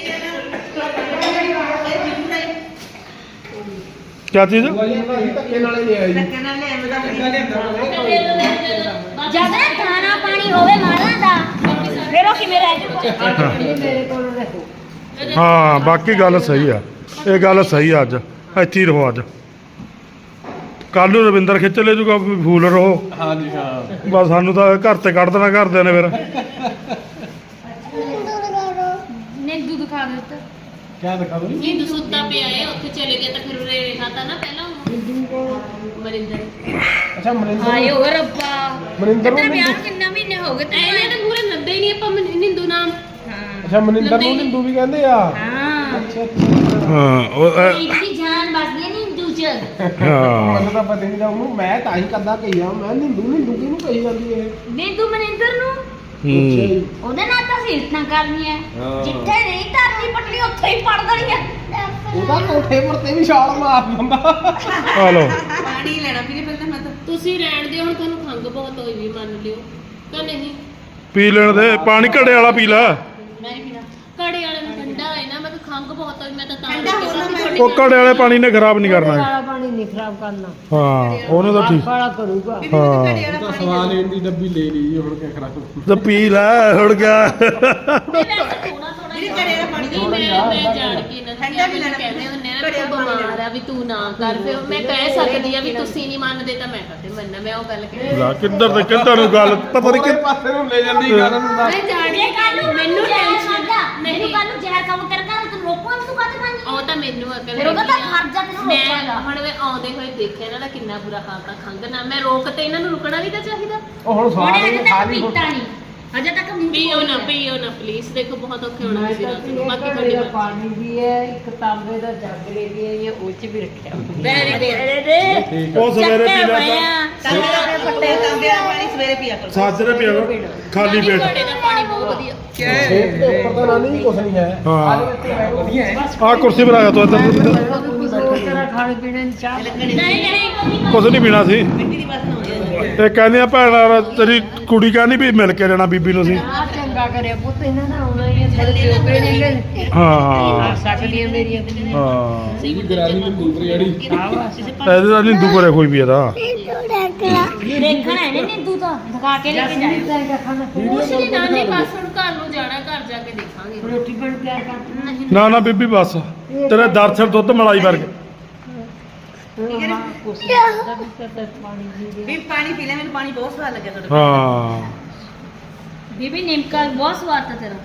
ਕਿਆ ਚੀਜ਼
ਧੱਕੇ ਨਾਲੇ ਨਹੀਂ ਆਈ
ਕਹਿੰਦਾ ਲੈ ਮੈਂ
ਜਦ ਨਾ ਖਾਣਾ ਪਾਣੀ ਹੋਵੇ ਮਾਲਾਂ ਦਾ ਫਿਰ ਉਹ ਕਿਵੇਂ ਰਹਿ ਜੂਗਾ
ਮੇਰੇ ਕੋਲ ਰਹੋ
ਹਾਂ ਬਾਕੀ ਗੱਲ ਸਹੀ ਆ ਇਹ ਗੱਲ ਸਹੀ ਆ ਅੱਜ ਇੱਥੇ ਹੀ ਰਹੋ ਅੱਜ ਕੱਲ ਨੂੰ ਰਵਿੰਦਰ ਖਿੱਚ ਲੈ ਜੂਗਾ ਵੀ ਫੂਲ ਰਹੋ।
ਹਾਂਜੀ ਹਾਂ
ਬਸ ਸਾਨੂੰ ਤਾਂ ਘਰ ਤੇ ਕੱਢ ਦੇਣਾ ਘਰਦਿਆਂ ਨੇ ਫਿਰ।
ਨਿੰਦੂ ਦਿਖਾ ਦੇ ਉੱਤੇ
ਕਿਆ ਦਿਖਾ ਦੋ
ਹਿੰਦੂ ਸੁੱਤਾ ਪਿਆ ਏ ਉੱਥੇ ਚਲੇ ਗਿਆ ਤਾਂ ਫਿਰ ਉਰੇ ਰਿਹਾ ਤਾਂ ਨਾ ਪਹਿਲਾਂ ਮਰਿੰਦਰ
ਅੱਛਾ ਮਨਿੰਦਰ
ਆਏ ਹੋ ਰੱਬਾ
ਮਨਿੰਦਰ
ਤੇਰਾ
ਨੂੰ
ਵਿਆਹ
ਨਿੰਦੂ-
ਕਿੰਨਾ ਮਹੀਨੇ ਹੋ ਗਏ ਤੇ
ਇਹਨੇ ਤਾਂ ਪੂਰੇ ਨੱਦੇ ਹੀ ਨਹੀਂ ਆਪਾਂ ਹਿੰਦੂ ਨਾਮ
ਹਾਂ
ਅੱਛਾ ਮਨਿੰਦਰ ਨੂੰ ਨਿੰਦੂ ਵੀ ਕਹਿੰਦੇ ਆ
ਹਾਂ
ਅੱਛਾ ਅੱਛਾ
ਹਾਂ ਉਹ ਅ-
ਇਹਦੀ ਜਾਨ ਬਸਦੀ ਹੈ ਨਿੰਦੂ ਚ
ਹਾਂ
ਮੈਨੂੰ ਤਾਂ ਪਤਾ ਨਹੀਂ ਉਹਨੂੰ ਮੈਂ ਤਾਂ ਹੀ ਕਦਾ ਕਹੀਆ ਮੈਂ ਨਿੰਦੂ ਨਿੰਦੂ ਕਿਹਨੂੰ ਕਹੀ ਜਾਂਦੀ ਇਹ
ਨਿੰਦੂ ਮਨਿੰਦਰ ਨੂੰ
ਹੂੰ
ਉਹਦੇ ਨਾਲ ਤਾਂ ਸੀਰਤਾਂ ਕਰਨੀਆਂ
ਹਾਂ।
ਜਿੱਥੇ ਨਹੀਂ ਧਰਨੀ ਪਟਣੀ ਉੱਥੇ ਹੀ ਪੜ ਦੇਣੀ ਆ
ਉਹਦਾ ਕੋਠੇ ਪਰ ਤੇ ਵੀ ਛਾਲ ਮਾਰ ਦਿੰਦਾ
ਆ ਲਓ
ਪਾਣੀ ਲੈਣਾ ਵੀਰੇ ਪਹਿਲਾਂ ਮੈਂ ਤਾਂ
ਤੁਸੀਂ ਰਹਿਣ ਦਿਓ ਹੁਣ ਤੁਹਾਨੂੰ ਖੰਗ ਬਹੁਤ ਹੋਈ ਵੀ ਮੰਨ ਲਿਓ ਤਾਂ ਨਹੀਂ
ਪੀ ਲੈਣ ਦੇ ਪਾਣੀ ਘੜੇ ਵਾਲਾ ਪੀ ਲੈ।
ਮੈਂ ਨਹੀਂ ਪੀਣਾ
ਕੜੇ ਵਾਲੇ ਨੂੰ ਠੰਡਾ ਹੈ ਨਾ ਮੈਂ ਤਾਂ ਖੰਗ ਬਹੁਤ ਹੋਈ ਮੈਂ ਤਾਂ ਤਾਂ
ਠੰਡਾ ਹੋ ਨਾ ਮੈਂ
ਉਹ ਘੜੇ ਵਾਲੇ ਪਾਣੀ ਨੇ ਖਰਾਬ ਨਹੀਂ ਕਰਨਾ।
ਵਾਲਾ ਪਾਣੀ ਨਹੀਂ ਖਰਾਬ ਕਰਨਾ
ਹਾਂ ਉਹਨੇ ਤਾਂ ਠੀਕ
ਵਾਲਾ ਕਰੂਗਾ
ਹਾਂ
ਉਹਦਾ ਸਵਾਲ ਲੈਣ ਦੀ ਡੱਬੀ ਲੈ ਲਈ ਹੁਣ ਕਿਆ ਕਰਾਂ
ਤੇ ਪੀ ਲੈ ਹੁਣ ਗਿਆ।
ਥੋੜਾ ਥੋੜਾ
ਵੀਰੇ ਘੜੇ ਵਾਲਾ ਪਾਣੀ
ਨਹੀਂ ਮੈਂ ਮੈਂ ਜਾਣ ਕੇ ਇਹਨਾਂ
ਠੰਡਾ ਵੀ
ਨੂੰ
ਲੈਣਾ
ਕਹਿੰਦੇ ਹੁੰਦੇ ਆ
ਘੜੇ
ਨਾ
ਵਾਲਾ
ਤੂੰ
ਪਾਣੀ
ਬਿਮਾਰ ਆ ਵੀ ਤੂੰ ਨਾ ਕਰ ਫਿਰ ਮੈਂ ਕਹਿ ਸਕਦੀ ਆ ਵੀ ਤੁਸੀਂ ਨਹੀਂ ਮੰਨਦੇ ਤਾਂ ਮੈਂ ਕਦੇ ਮੰਨਾਂ ਮੈਂ ਉਹ ਗੱਲ ਕਹਿ
ਲਾ ਕਿੱਧਰ ਤੇ ਕਿੱਧਰ ਨੂੰ ਗੱਲ ਪਤਾ ਨਹੀਂ ਕਿ
ਉਹਦੇ ਪਾਸੇ ਨੂੰ ਲੈ ਜਾਂਦੀ ਗੱਲ ਨੂੰ ਦੱਸ
ਮੈਂ ਜਾਣਦੀ ਕੱਲ ਨੂੰ ਮੈਨੂੰ ਟੈਨਸ਼ਨ
ਮੈਨੂੰ ਕੱਲ ਨੂੰ ਜ਼ਹਿਰ ਕੰਮ ਕਰਦਾ ਤੂੰ ਰੋਕੋ ਤੂੰ ਕਾਹਦੇ ਪਾਣੀ
ਉਹ ਤਾਂ ਮੈਨੂੰ ਅਕਲ
ਫਿਰ ਉਹਦਾ ਤਾਂ
ਹੈਗੀ ਆ।
ਫਰਜ਼ ਆ ਤੈਨੂੰ
ਮੈਂ
ਰੋਕਣ
ਹੁਣ ਮੈਂ ਆਉਂਦੇ ਹੋਏ ਦੇਖਿਆ ਇਹਨਾਂ ਦਾ ਕਿੰਨਾ ਬੁਰਾ ਹਾਲ ਤਾਂ ਖੰਗ ਨਾਲ ਮੈਂ ਰੋਕ ਤੇ ਇਹਨਾਂ ਨੂੰ ਰੁਕਣਾ ਵੀ ਤਾਂ ਚਾਹੀਦਾ
ਉਹ ਹੁਣ
ਉਹਨੇ
ਸਵਾਲ
ਅਜੇ
ਇਹ
ਤੱਕ
ਖਾਲੀ
ਪੀਤਾ ਨਹੀਂ ਅਜੇ ਤੱਕ ਮੂੰਹ
ਪੀਓ ਨਾ ਪੀਓ ਨਾ ਪਲੀਜ਼ ਦੇਖੋ ਬਹੁਤ ਔਖੇ ਹੋਣਾ
ਮੈਂ
ਤੁਸੀਂ
ਤਾਂ
ਰਾਤ ਨੂੰ
ਇਹ
ਬਾਕੀ
ਘੜੇ
ਤੁਹਾਡੀ
ਦਾ
ਮਰਜ਼ੀ।
ਪਾਣੀ ਵੀ ਹੈ ਇੱਕ ਤਾਂਬੇ ਦਾ ਜੱਗ ਲੈ ਕੇ ਆਈ ਹੈ ਉਹ ਚ ਵੀ ਰੱਖਿਆ
ਵੈਰੀ ਗੁੱਡ
ਠੀਕ
ਉਹ ਸਵੇਰੇ ਪੀ ਲੈ
ਤਾਂਬੇ ਦੇ ਪੱਟੇ ਤਾਂਬੇ ਦਾ ਪਾਣੀ ਸਵੇਰੇ ਪੀਆ ਕਰੋ
ਸਾਜਰੇ ਪੀਓ ਖਾਲੀ
ਨਹੀਂ,
ਪੇਟ।
ਘੜੇ ਦਾ ਪਾਣੀ ਬਹੁਤ ਵਧੀਆ
ਖੇਤ ਦੇ ਉੱਪਰ ਤਾਂ ਨਹੀਂ ਕੁਛ ਨਹੀਂ ਹੈ
ਹਾਂ।
ਆਹ ਵਿੱਚ ਹੈ ਵਧੀਆ ਹੈ
ਆ ਕੁਰਸੀ ਪਰ ਆ ਜਾ ਤੂੰ ਇੱਧਰ
ਤੇਰਾ ਖਾਣੇ ਪੀਣੇ ਦੀ ਚਾਹ
ਨਹੀਂ ਨਹੀਂ
ਕੁਛ ਨਹੀਂ ਪੀਣਾ ਸੀ।
ਮਿੱਟੀ ਦੀ ਵਾਸਨਾ ਆਉਂਦੀ ਹੈ
ਇਹ ਕਹਿੰਦੇ ਆ ਭੈਣ ਤੇਰੀ ਕੁੜੀ ਕਹਿੰਦੀ ਵੀ ਮਿਲ ਕੇ ਜਾਣਾ ਬੀਬੀ ਨੂੰ ਸੀ।
ਆ ਚੰਗਾ ਕਰਿਆ ਪੁੱਤ ਇਹਨਾਂ ਨਾਲ ਆਉਣਾ ਹੀ ਹੈ ਥੋੜੇ ਪਿਓਕੇ ਨਹੀਂ ਗਏ ਆ
ਹਾਂ
ਸਕਦੀਆਂ ਮੇਰੀਆਂ
ਹਾਂ
ਇਹ ਗਰਾਰੀ ਨੂੰ ਦੂਰ ਜਿਹੜੀ
ਸ਼ਾਬਾਸ਼
ਇਹਦੇ ਦਾ ਨਿੰਦੂ ਕਰੇ ਕੋਈ ਵੀ ਇਹਦਾ।
ਦੇਖਣਾ ਇਹਨੇ ਨਿੰਦੂ ਤਾਂ ਦਿਖਾ ਕੇ ਲੈ ਕੇ ਜਾਏ
ਜਸਮੀਨ ਦਾ ਖਾਣਾ
ਕੁਛ ਨਹੀਂ ਨਾਨੀ ਬਸ ਹੁਣ ਘਰ ਨੂੰ ਜਾਣਾ ਘਰ ਜਾ ਕੇ ਦੇਖਾਂਗੇ
ਰੋਟੀ ਬਣ ਕੇ ਕਰ
ਨਾ ਨਾ ਬੀਬੀ ਬਸ ਤੇਰੇ ਦਰਸ਼ਨ ਦੁੱਧ ਮਲਾਈ ਵਰਗੇ।
ਹਾਂ ਕੁਛ ਦਾ ਵੀ ਤਾਂ ਪਾਣੀ ਦੀ
ਵੀ ਪਾਣੀ ਪੀ ਲੈ ਮੈਨੂੰ ਪਾਣੀ ਬਹੁਤ ਸਵਾਦ ਲੱਗਿਆ ਤੁਹਾਡਾ
ਹਾਂ
ਬੀਬੀ ਨਿਮਕਾ ਬਹੁਤ ਸਵਾਦ ਤਾ ਤੇਰਾ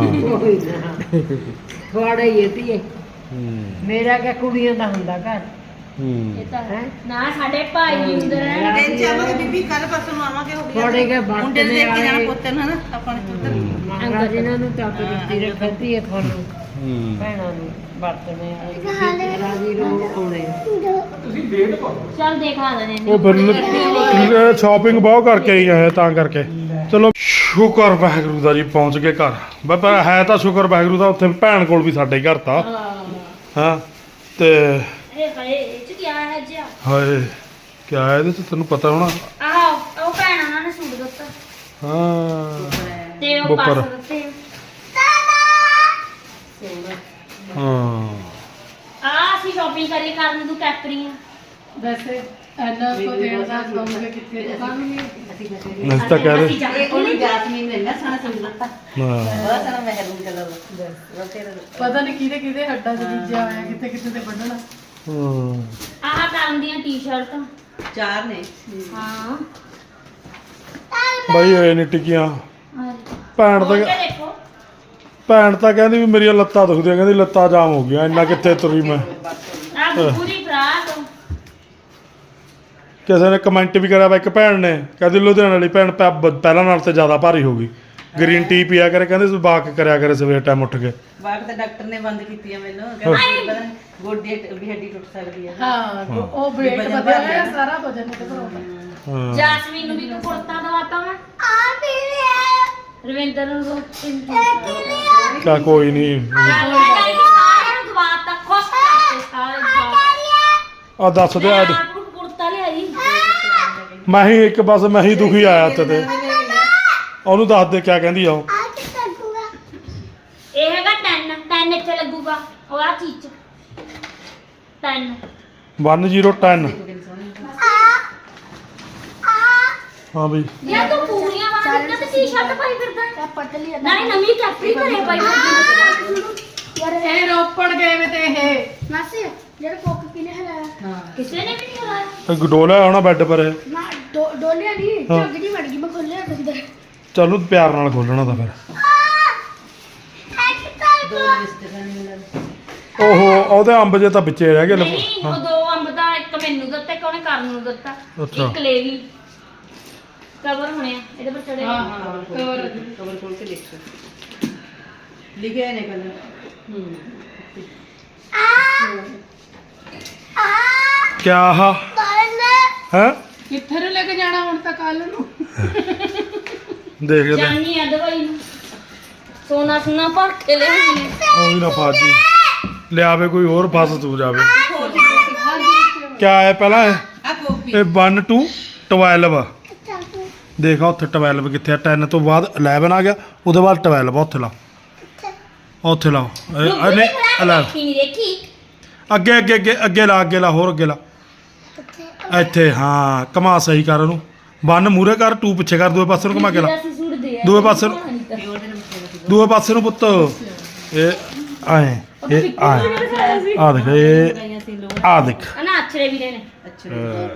ਹਾਂ
ਥੋੜਾ ਹੀ ਹੈ ਧੀਏ
ਹੂੰ,
ਮੇਰਾ ਕਿਆ ਕੁੜੀਆਂ ਦਾ ਹੁੰਦਾ ਘਰ
ਹੂੰ।
ਇਹ ਤਾਂ ਹੈ ਨਾ ਸਾਡੇ ਭਾਈ ਵੀ ਹੁੰਦੇ ਰਹਿਣ
ਦਿਨ ਚ ਆਵਾਂਗੇ ਬੀਬੀ ਕੱਲ ਪਰਸੋਂ ਨੂੰ ਆਵਾਂਗੇ ਹੋ ਗਿਆ
ਥੋੜੇ ਕੇ ਬਾਤ
ਮੁੰਡੇ ਦੇ ਦੇਖ ਕੇ ਜਾਣਾ
ਵਾਲੇ
ਪੁੱਤ ਨੂੰ ਹਨਾ ਆਪਾਂ ਨੇ ਪੁੱਤ
ਮੰਗਾ ਜਿਨ੍ਹਾਂ ਨੂੰ ਤਾਂ ਦਿੱਤੀ ਰੱਖਦੀ ਹੈ ਤੁਹਾਨੂੰ
ਹੂੰ।
ਭੈਣਾਂ ਨੂੰ ਵਰਤਣੇ ਵਾਲੇ ਰਾਜੀ ਰੋ ਆਉਣੇ
ਤੁਸੀਂ ਲੇਟ ਕਰੋ
ਚੱਲ ਦੇਖਾ ਦਨੇ
ਉਹ ਫਿਰ ਸ਼ਾਪਿੰਗ ਬਹੁਤ ਕਰਕੇ ਆਈ ਹੈ ਤਾਂ ਕਰਕੇ। ਚਲੋ ਸ਼ੁਕਰ ਵਾਹਿਗੁਰੂ ਦਾ ਜੀ ਪਹੁੰਚ ਗਏ ਘਰ ਬਸ ਪਰ ਹੈ ਤਾਂ ਸ਼ੁਕਰ ਵਾਹਿਗੁਰੂ ਦਾ ਉੱਥੇ ਭੈਣ ਕੋਲ ਵੀ ਸਾਡੇ ਘਰ ਤਾਂ ਹਾਂ ਤੇ
ਇਹ ਹਾਏ ਇਹ ਚ ਕੀ ਹੈ ਜੀ
ਹਾਏ ਕਿਆ ਹੈ ਇਹਦੇ ਚ ਤੈਨੂੰ ਪਤਾ ਹੋਣਾ।
ਆਹ ਉਹ ਭੈਣਾਂ ਉਹਨਾਂ ਨੇ ਸੂਟ ਦਿੱਤਾ
ਹਾਂ
ਤੇ ਉਹ
ਬੁੱਕਰ।
ਪਾਸ ਦਿੱਤੇ
ਹਾਂ
ਆ ਅਸੀਂ ਸ਼ਾਪਿੰਗ ਕਰੀ ਕਰਨ ਤੂੰ ਕੈਪਰੀਆਂ
ਵੈਸੇ ਐਨਾ ਕੋ ਦੇਣ ਦਾ ਦੋਗੇ ਕਿੱਥੇ ਜਾਵਾਂਗੇ
ਅਸੀਂ ਤਾਂ ਕਹਿ ਰਹੇ
ਅਸੀਂ ਜਾ ਕੇ
ਉਹਨੂੰ ਜਾਸਮੀਨ ਨੇ ਇੰਨਾ ਸੋਹਣਾ ਸੂਟ ਦਿੱਤਾ
ਹਾਂ
ਬਹੁਤ ਸੋਹਣਾ ਮਹਿਰੂਨ ਕਲਰ ਦਾ ਤੇਰਾ
ਪਤਾ ਨਹੀਂ ਕਿਹਦੇ ਕਿਹਦੇ ਹੱਡਾਂ ਚ ਬੀਜਿਆ ਹੋਇਆ ਕਿੱਥੇ ਕਿੱਥੇ ਤੇ ਵੱਢਣਾ
ਹੂੰ।
ਆਹ ਕਰਨ ਦੀਆਂ ਟੀ-ਸ਼ਰਟਾਂ
ਚਾਰ ਨੇ
ਹਾਂ
ਬਾਈ ਇਹ ਨਹੀਂ ਟਿਕੀਆਂ ਭੈਣ
ਖੋਲ
ਤਾਂ
ਕੇ ਦੇਖੋ
ਭੈਣ ਤਾਂ ਕਹਿੰਦੀ ਵੀ ਮੇਰੀਆਂ ਲੱਤਾਂ ਦੁਖਦੀਆਂ ਕਹਿੰਦੀ ਲੱਤਾਂ ਜਾਮ ਹੋ ਗਈਆਂ ਇੰਨਾ ਕਿੱਥੇ ਤੁਰੀ ਮੈਂ।
ਆ ਪੂਰੀ ਫਰਾਕ
ਕਿਸੇ ਨੇ ਕਮੈਂਟ ਵੀ ਕਰਿਆ ਵਾ ਇੱਕ ਭੈਣ ਨੇ ਕਹਿੰਦੀ ਲੁਧਿਆਣੇ ਵਾਲੀ ਭੈਣ ਪੈ- ਬ- ਪਹਿਲਾਂ ਨਾਲ ਤੇ ਜ਼ਿਆਦਾ ਭਾਰੀ ਹੋ ਗਈ ਗ੍ਰੀਨ ਟੀ ਪੀਆ ਕਰੇ ਕਹਿੰਦੇ ਤੂੰ ਵਾਕ ਕਰਿਆ ਕਰੇ ਸਵੇਰ ਟਾਈਮ ਉੱਠ ਕੇ।
ਬਾਗ ਤਾਂ ਡਾਕਟਰ ਨੇ ਬੰਦ ਕੀਤੀ ਆ ਮੈਨੂੰ ਕਹਿੰਦਾ ਪਤਾ ਨੀ ਗੋਡੇ ਵੀ ਹੱਡੀ ਟੁੱਟ ਸਕਦੀ ਹੈ
ਹਾਂ ਉਹ ਵੇਟ
ਵਜਨ
ਵਧਿਆ
ਵੱਧ
ਹੋਇਆ
ਗਿਆ।
ਸਾਰਾ ਵਜਨ ਘਟਾਉਂਦਾ
ਹਾਂ
ਜਾਸਮੀਨ ਨੂੰ ਵੀ ਇੱਕ ਕੁੜਤਾ ਦਵਾਤਾ ਮੈਂ ਆ ਪੀਲੇ ਰਵਿੰਦਰ ਨੂੰ ਦੋ ਤਿੰਨ ਤਿੰਨ
ਚਾ ਕੋਈ ਨਹੀਂ
ਸਾਰਿਆਂ ਨੂੰ ਦਵਾਤਾ ਖੁਸ਼ ਕਰਤੇ ਸਾਰੇ ਦਵਾ
ਆ ਦੱਸ ਦੇ ਅੱਜ
ਆਪ ਨੂੰ ਕੁੜਤਾ ਲਿਆਈ
ਮੈਂ ਹੀ ਇੱਕ ਬਸ ਮੈਂ ਹੀ ਦੁਖੀ ਆਇਆ ਉੱਤੇ ਤੇ ਉਹਨੂੰ ਦੱਸ ਦੇ ਕਿਆ ਕਹਿੰਦੀ ਆ ਉਹ।
ਇਹ ਹੈਗਾ ਟੈਨ ਟੈਨ ਇੱਥੇ ਲੱਗੂਗਾ ਉਹ ਆ ਚੀਜ਼ ਚ ਟੈਨ
ਇੱਕ ਜ਼ੀਰੋ ਦਸ ਹਾਂ ਬਈ
ਯਾਰ ਤੂੰ ਪੂਰੀਆਂ ਵਾਲਾ ਤੇ ਟੀ-ਸ਼ਰਟ ਪਾਈ ਫਿਰਦਾ ਪਤਲੀ ਨਾਲੇ ਨਵੀਂ ਕੈਪਰੀ ਘਰੇ ਪਾਈ ਫਿਰਦੀ ਯਾਰ
ਇਹ ਰੋਪੜ ਗਏ ਵੇ ਤੇ ਇਹ
ਮਾਸੀ
ਜਿਹੜਾ ਕੋਕ ਕਿਨੇ ਹਲਾਇਆ
ਹਾਂ
ਕਿਸੇ ਨੇ ਵੀ ਨਹੀਂ ਹਲਾਇਆ।
ਇਹ ਡੋਲਿਆ ਹੋਣਾ ਬੈੱਡ ਪਰ ਇਹ।
ਨਾ ਡੋ- ਡੋਲਿਆ ਨਹੀਂ
ਹਾਂ।
ਝੱਗ ਜੀ ਵੜ ਗਈ ਮੈਂ ਖੋਲਿਆ ਅੰਦਰ
ਚਲੋ ਪਿਆਰ ਨਾਲ ਖੋਲਣਾ ਤਾਂ ਫਿਰ।
ਦੋ ਰਿਸ਼ਤੇਦਾਰ ਨੇ ਮਿਲਣ
ਓਹੋ ਉਹਦੇ ਅੰਬ ਜੇ ਤਾਂ ਵਿੱਚੇ ਰਹਿ ਗਏ ਲਫ-
ਨਹੀਂ
ਹਾਂ।
ਉਹ ਦੋ ਅੰਬ ਦਾ ਇੱਕ ਮੈਨੂੰ ਦਿੱਤਾ ਇੱਕ ਉਹਨੇ ਕਰਨ ਨੂੰ ਦਿੱਤਾ
ਅੱਛਾ।
ਇੱਕ ਲੈ ਗਈ ਕਵਰ ਹੋਣੇ ਆ ਇਹਦੇ ਪਰ ਚੜੇ
ਹਾਂ
ਕਵਰ
ਹਾਂ
ਖੋਲ
ਕਵਰ
ਕੇ- ਕਵਰ ਖੋਲ ਕੇ ਦੇਖੋ ਲਿਖਿਆ ਨੇ ਕਲਰ ਹੂੰ
ਕਿਆ ਹਾ ਹੈ
ਕਿੱਥੇ ਨੂੰ ਲੈ ਕੇ ਜਾਣਾ ਹੁਣ ਤਾਂ ਕੱਲ ਨੂੰ
ਦੇਖਦੇ
ਜਾਨੀ ਆ ਦਵਾਈ ਨੂੰ ਸੋਨਾ ਸੁਨਾ ਭਰ ਕੇ ਲੈ ਆਈ
ਉਹ ਵੀ ਨਾ ਫਾਜੀ ਲਿਆਵੇ ਕੋਈ ਹੋਰ ਫਸ ਤੂੰ ਜਾਵੇ ਕਿਆ ਹੈ ਪਹਿਲਾਂ ਇਹ
ਆ ਕਾਪੀ
ਇਹ one to twelve ਦੇਖਾ ਉੱਥੇ twelve ਕਿੱਥੇ ਆ ten ਤੋਂ ਬਾਅਦ eleven ਆ ਗਿਆ ਉਹਦੇ ਬਾਅਦ twelve ਆ ਉੱਥੇ ਲਾ ਉੱਥੇ ਲਾ ਇਹ- ਇਹ ਨਹੀਂ eleven
ਨਹੀਂ ਦੇਖੀ
ਅੱਗੇ ਅੱਗੇ ਅੱਗੇ ਅੱਗੇ ਲਾ ਅੱਗੇ ਲਾ ਹੋਰ ਅੱਗੇ ਲਾ ਇੱਥੇ ਹਾਂ ਕਮਾ ਸਹੀ ਕਰ ਉਹਨੂੰ one ਮੂਰੇ ਕਰ two ਪਿੱਛੇ ਕਰ ਦੂਏ ਪਾਸੇ ਨੂੰ ਘੁਮਾ ਕੇ ਲਾ
ਅਸੀਂ ਸੁੱਟਦੇ ਆ
ਦੂਏ ਪਾਸੇ ਨੂੰ
ਪਿਓਰ ਦੇ ਵਿੱਚ
ਦੂਏ ਪਾਸੇ ਨੂੰ ਪੁੱਤ ਇਹ ਆਏ ਇਹ ਆਏ ਆ ਦੇਖ ਇਹ
ਗਾਈਆਂ ਸੀ ਲੋਰ
ਆ ਦੇਖ
ਨਾ ਅਛਰੇ ਵੀਰੇ ਨੇ
ਅੱਛਾ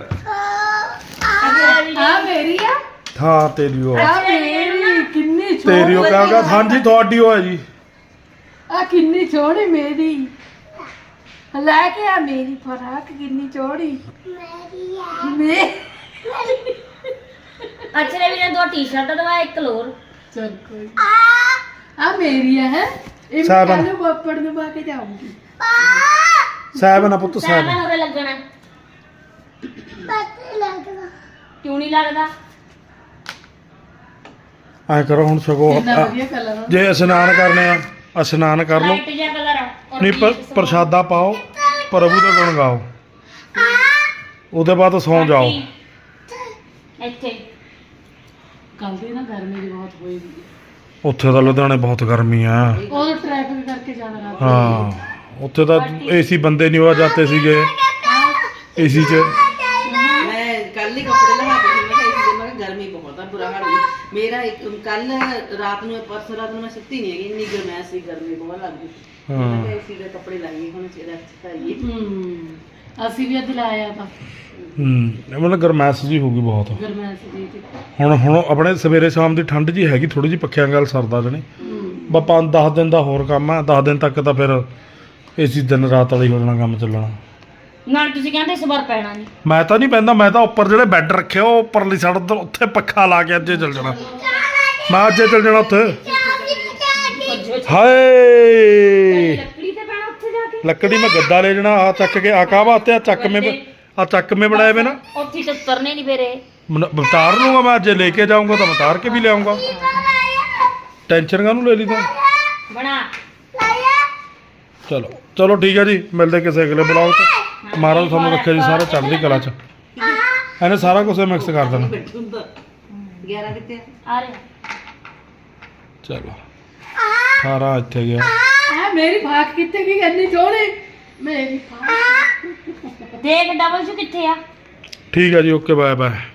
ਅਛਰੇ ਵੀਰੇ
ਆ ਮੇਰੀ ਆ
ਹਾਂ ਤੇਰੀ ਉਹ
ਆ ਮੇਰੀ ਕਿੰਨੀ
ਤੇਰੀ ਉਹ ਕਹਾਂਗਾ ਹਾਂਜੀ ਤੁਹਾਡੀ ਉਹ ਹੈ ਜੀ
ਆ ਕਿੰਨੀ ਚੌੜੀ ਮੇਰੀ ਲੈ ਕੇ ਆ ਮੇਰੀ ਫਰਾਕ ਕਿੰਨੀ ਚੌੜੀ ਮੇਰੀ ਆ
ਅਛਰੇ ਵੀਰੇ ਦੋ ਟੀ-ਸ਼ਰਟ ਦਵਾ ਇੱਕ ਲੋਰ
ਚਲ ਕੋਈ ਆ ਮੇਰੀ ਆ ਹੈ ਇਹ ਮੈਂ
ਸਾਬਣ।
ਕੱਲ ਨੂੰ ਪਾਪੜ ਨੂੰ ਪਾ ਕੇ ਜਾਊਂਗੀ
ਸਾਹਿਬ ਨਾ ਪੁੱਤ
ਸਾਬਣ
ਸਾਹਿਬ
ਹੋਰੇ ਲੱਗਣਾ ਕਿਉਂ ਨਹੀਂ ਲੱਗਦਾ
ਐ ਕਰੋ ਹੁਣ ਸਗੋ
ਕਿੰਨਾ ਵਧੀਆ ਕਲਰ ਆ
ਜੇ ਇਸ਼ਨਾਨ ਕਰਨੇ ਆ ਇਸ਼ਨਾਨ ਕਰ ਲਓ
ਲਾਈਟ ਜਿਹਾ ਕਲਰ ਆ ਔਰ
ਨਹੀਂ ਪ-
ਪੀਚ
ਪ੍ਰਸ਼ਾਦਾ ਪਾਓ ਪ੍ਰਭੂ ਦੇ ਗੁਣ ਗਾਓ ਉਹਦੇ ਬਾਅਦ ਸੌਂ ਜਾਓ
ਇੱਥੇ
ਕੱਲ ਦੀ ਨਾ ਗਰਮੀ ਦੀ ਬਹੁਤ ਹੋਈ ਵੀ
ਉੱਥੇ ਤਾਂ ਲੁਧਿਆਣੇ ਬਹੁਤ ਗਰਮੀ ਆ
ਉਹ ਟ੍ਰੈਫਿਕ ਕਰਕੇ ਜਾਣਾ ਰਾਤ
ਹਾਂ ਉੱਥੇ ਤਾਂ ਏਸੀ ਬੰਦੇ ਨਹੀਂ ਹੋਆ ਜਾਂਦੇ ਸੀਗੇ ਏਸੀ 'ਚ
ਮੈਂ ਕੱਲ ਹੀ ਕੱਪੜੇ ਲਹਾ ਕੇ ਮੈਂ ਕਿਹਾ ਇਸ ਦਿਨ ਮੈਂ ਕਿਹਾ ਗਰਮੀ ਬਹੁਤ ਆ ਬੁਰਾ ਹਾਲ ਹੋ ਗਿਆ ਮੇਰਾ ਇੱਕ ਕੱਲ ਰਾਤ ਨੂੰ ਪਰਸੋਂ ਰਾਤ ਨੂੰ ਮੈਂ ਸੁੱਤੀ ਨਹੀਂ ਹੈਗੀ ਇੰਨੀ ਗਰਮੈਸ਼ ਸੀ ਗਰਮੀ ਬਹੁਤ ਲੱਗਦੀ
ਹਾਂ।
ਮੈਂ ਕਿਹਾ ਇਸੀ ਦੇ ਕੱਪੜੇ ਲਾਈਏ ਹੁਣ ਚਿਹਰਾ ਚਕਾਈਏ
ਹੂੰ ਅਸੀਂ ਵੀ ਅੱਜ ਲਾਇਆ ਤਾਂ
ਹੂੰ ਇਹ ਮਤਲਬ ਗਰਮੈਸ਼ ਜੀ ਹੋ ਗਈ ਬਹੁਤ
ਗਰਮੈਸ਼ ਦੀ ਤੇ
ਹੁਣ ਹੁਣ ਆਪਣੇ ਸਵੇਰੇ ਸ਼ਾਮ ਦੀ ਠੰਡ ਜੀ ਹੈਗੀ ਥੋੜੀ ਜੀ ਪੱਖਿਆਂ ਗੱਲ ਸਰਦਾ ਜਣੇ
ਹੂੰ
ਬਾ ਪੰਜ ਦਸ ਦਿਨ ਦਾ ਹੋਰ ਕੰਮ ਆ ਦਸ ਦਿਨ ਤੱਕ ਤਾਂ ਫਿਰ ਏਸੀ ਦਿਨ ਰਾਤ ਵਾਲੀ ਹੋ ਜਾਣਾ ਕੰਮ ਚੱਲਣਾ
ਨਾਲ ਤੁਸੀਂ ਕਹਿੰਦੇ ਇਸ ਵਾਰ ਪੈਣਾ ਨਹੀਂ
ਮੈਂ ਤਾਂ ਨਹੀਂ ਪੈਂਦਾ ਮੈਂ ਤਾਂ ਉੱਪਰ ਜਿਹੜੇ ਬੈੱਡ ਰੱਖੇ ਆ, ਉਹ ਉੱਪਰਲੀ ਸਾਈਡ ਤੋਂ ਉੱਥੇ ਪੱਖਾ ਲਾ ਕੇ ਅੱਜੇ ਚੱਲ ਜਾਣਾ ਮੈਂ ਅੱਜੇ ਚੱਲ ਜਾਣਾ ਉੱਥੇ ਹਾਏ
ਲੱਕੜੀ ਤੇ ਪੈਣਾ ਉੱਥੇ ਜਾ ਕੇ
ਲੱਕੜੀ ਮੈਂ ਗੱਦਾ ਲੈ ਜਾਣਾ ਆ ਚੱਕ ਕੇ ਆ ਕਾਹ ਵਾਸਤੇ ਆ ਚੱਕਵੇਂ ਆ ਚੱਕਵੇਂ ਬਣਾਏ ਵੇ ਨਾ
ਉੱਥੇ ਤੇ ਉਤਰਨੇ ਨਹੀਂ ਫੇਰੇ
ਮਨ- ਉਤਾਰ ਲੂੰਗਾ ਮੈਂ ਜੇ ਲੈ ਕੇ ਜਾਊਂਗਾ ਤਾਂ ਮੈਂ ਉਤਾਰ ਕੇ ਵੀ ਲਿਆਉਂਗਾ ਟੈਨਸ਼ਨ ਕਾਹਨੂੰ ਲੈ ਲਈ ਤੂੰ
ਬਣਾ
ਚਲੋ ਚਲੋ ਠੀਕ ਹੈ ਜੀ ਮਿਲਦੇ ਕਿਸੇ ਅਗਲੇ ਬਲੌਗ 'ਚ ਮਹਾਰਾਜ ਤੁਹਾਨੂੰ ਰੱਖੇ ਜੀ ਸਾਰੇ ਚੜ੍ਹਦੀ ਕਲਾ 'ਚ ਇਹਨੇ ਸਾਰਾ ਕੁਝ ਮਿਕਸ ਕਰ ਦੇਣਾ
ਬੈਠੂੰਦਾ ਗਿਆਰਾਂ ਕਿੱਥੇ ਆ
ਆ ਰਿਹਾ
ਚਲੋ ਸਾਰਾ ਇੱਥੇ ਗਿਆ
ਆ ਮੇਰੀ ਫਾਕ ਕਿੱਥੇ ਗਈ ਇੰਨੀ ਚੌੜੀ ਮੇਰੀ ਫਾਕ
ਦੇਖ ਡਬਲ ਚ ਕਿੱਥੇ ਆ
ਠੀਕ ਹੈ ਜੀ ਓਕੇ ਬਾਏ ਬਾਏ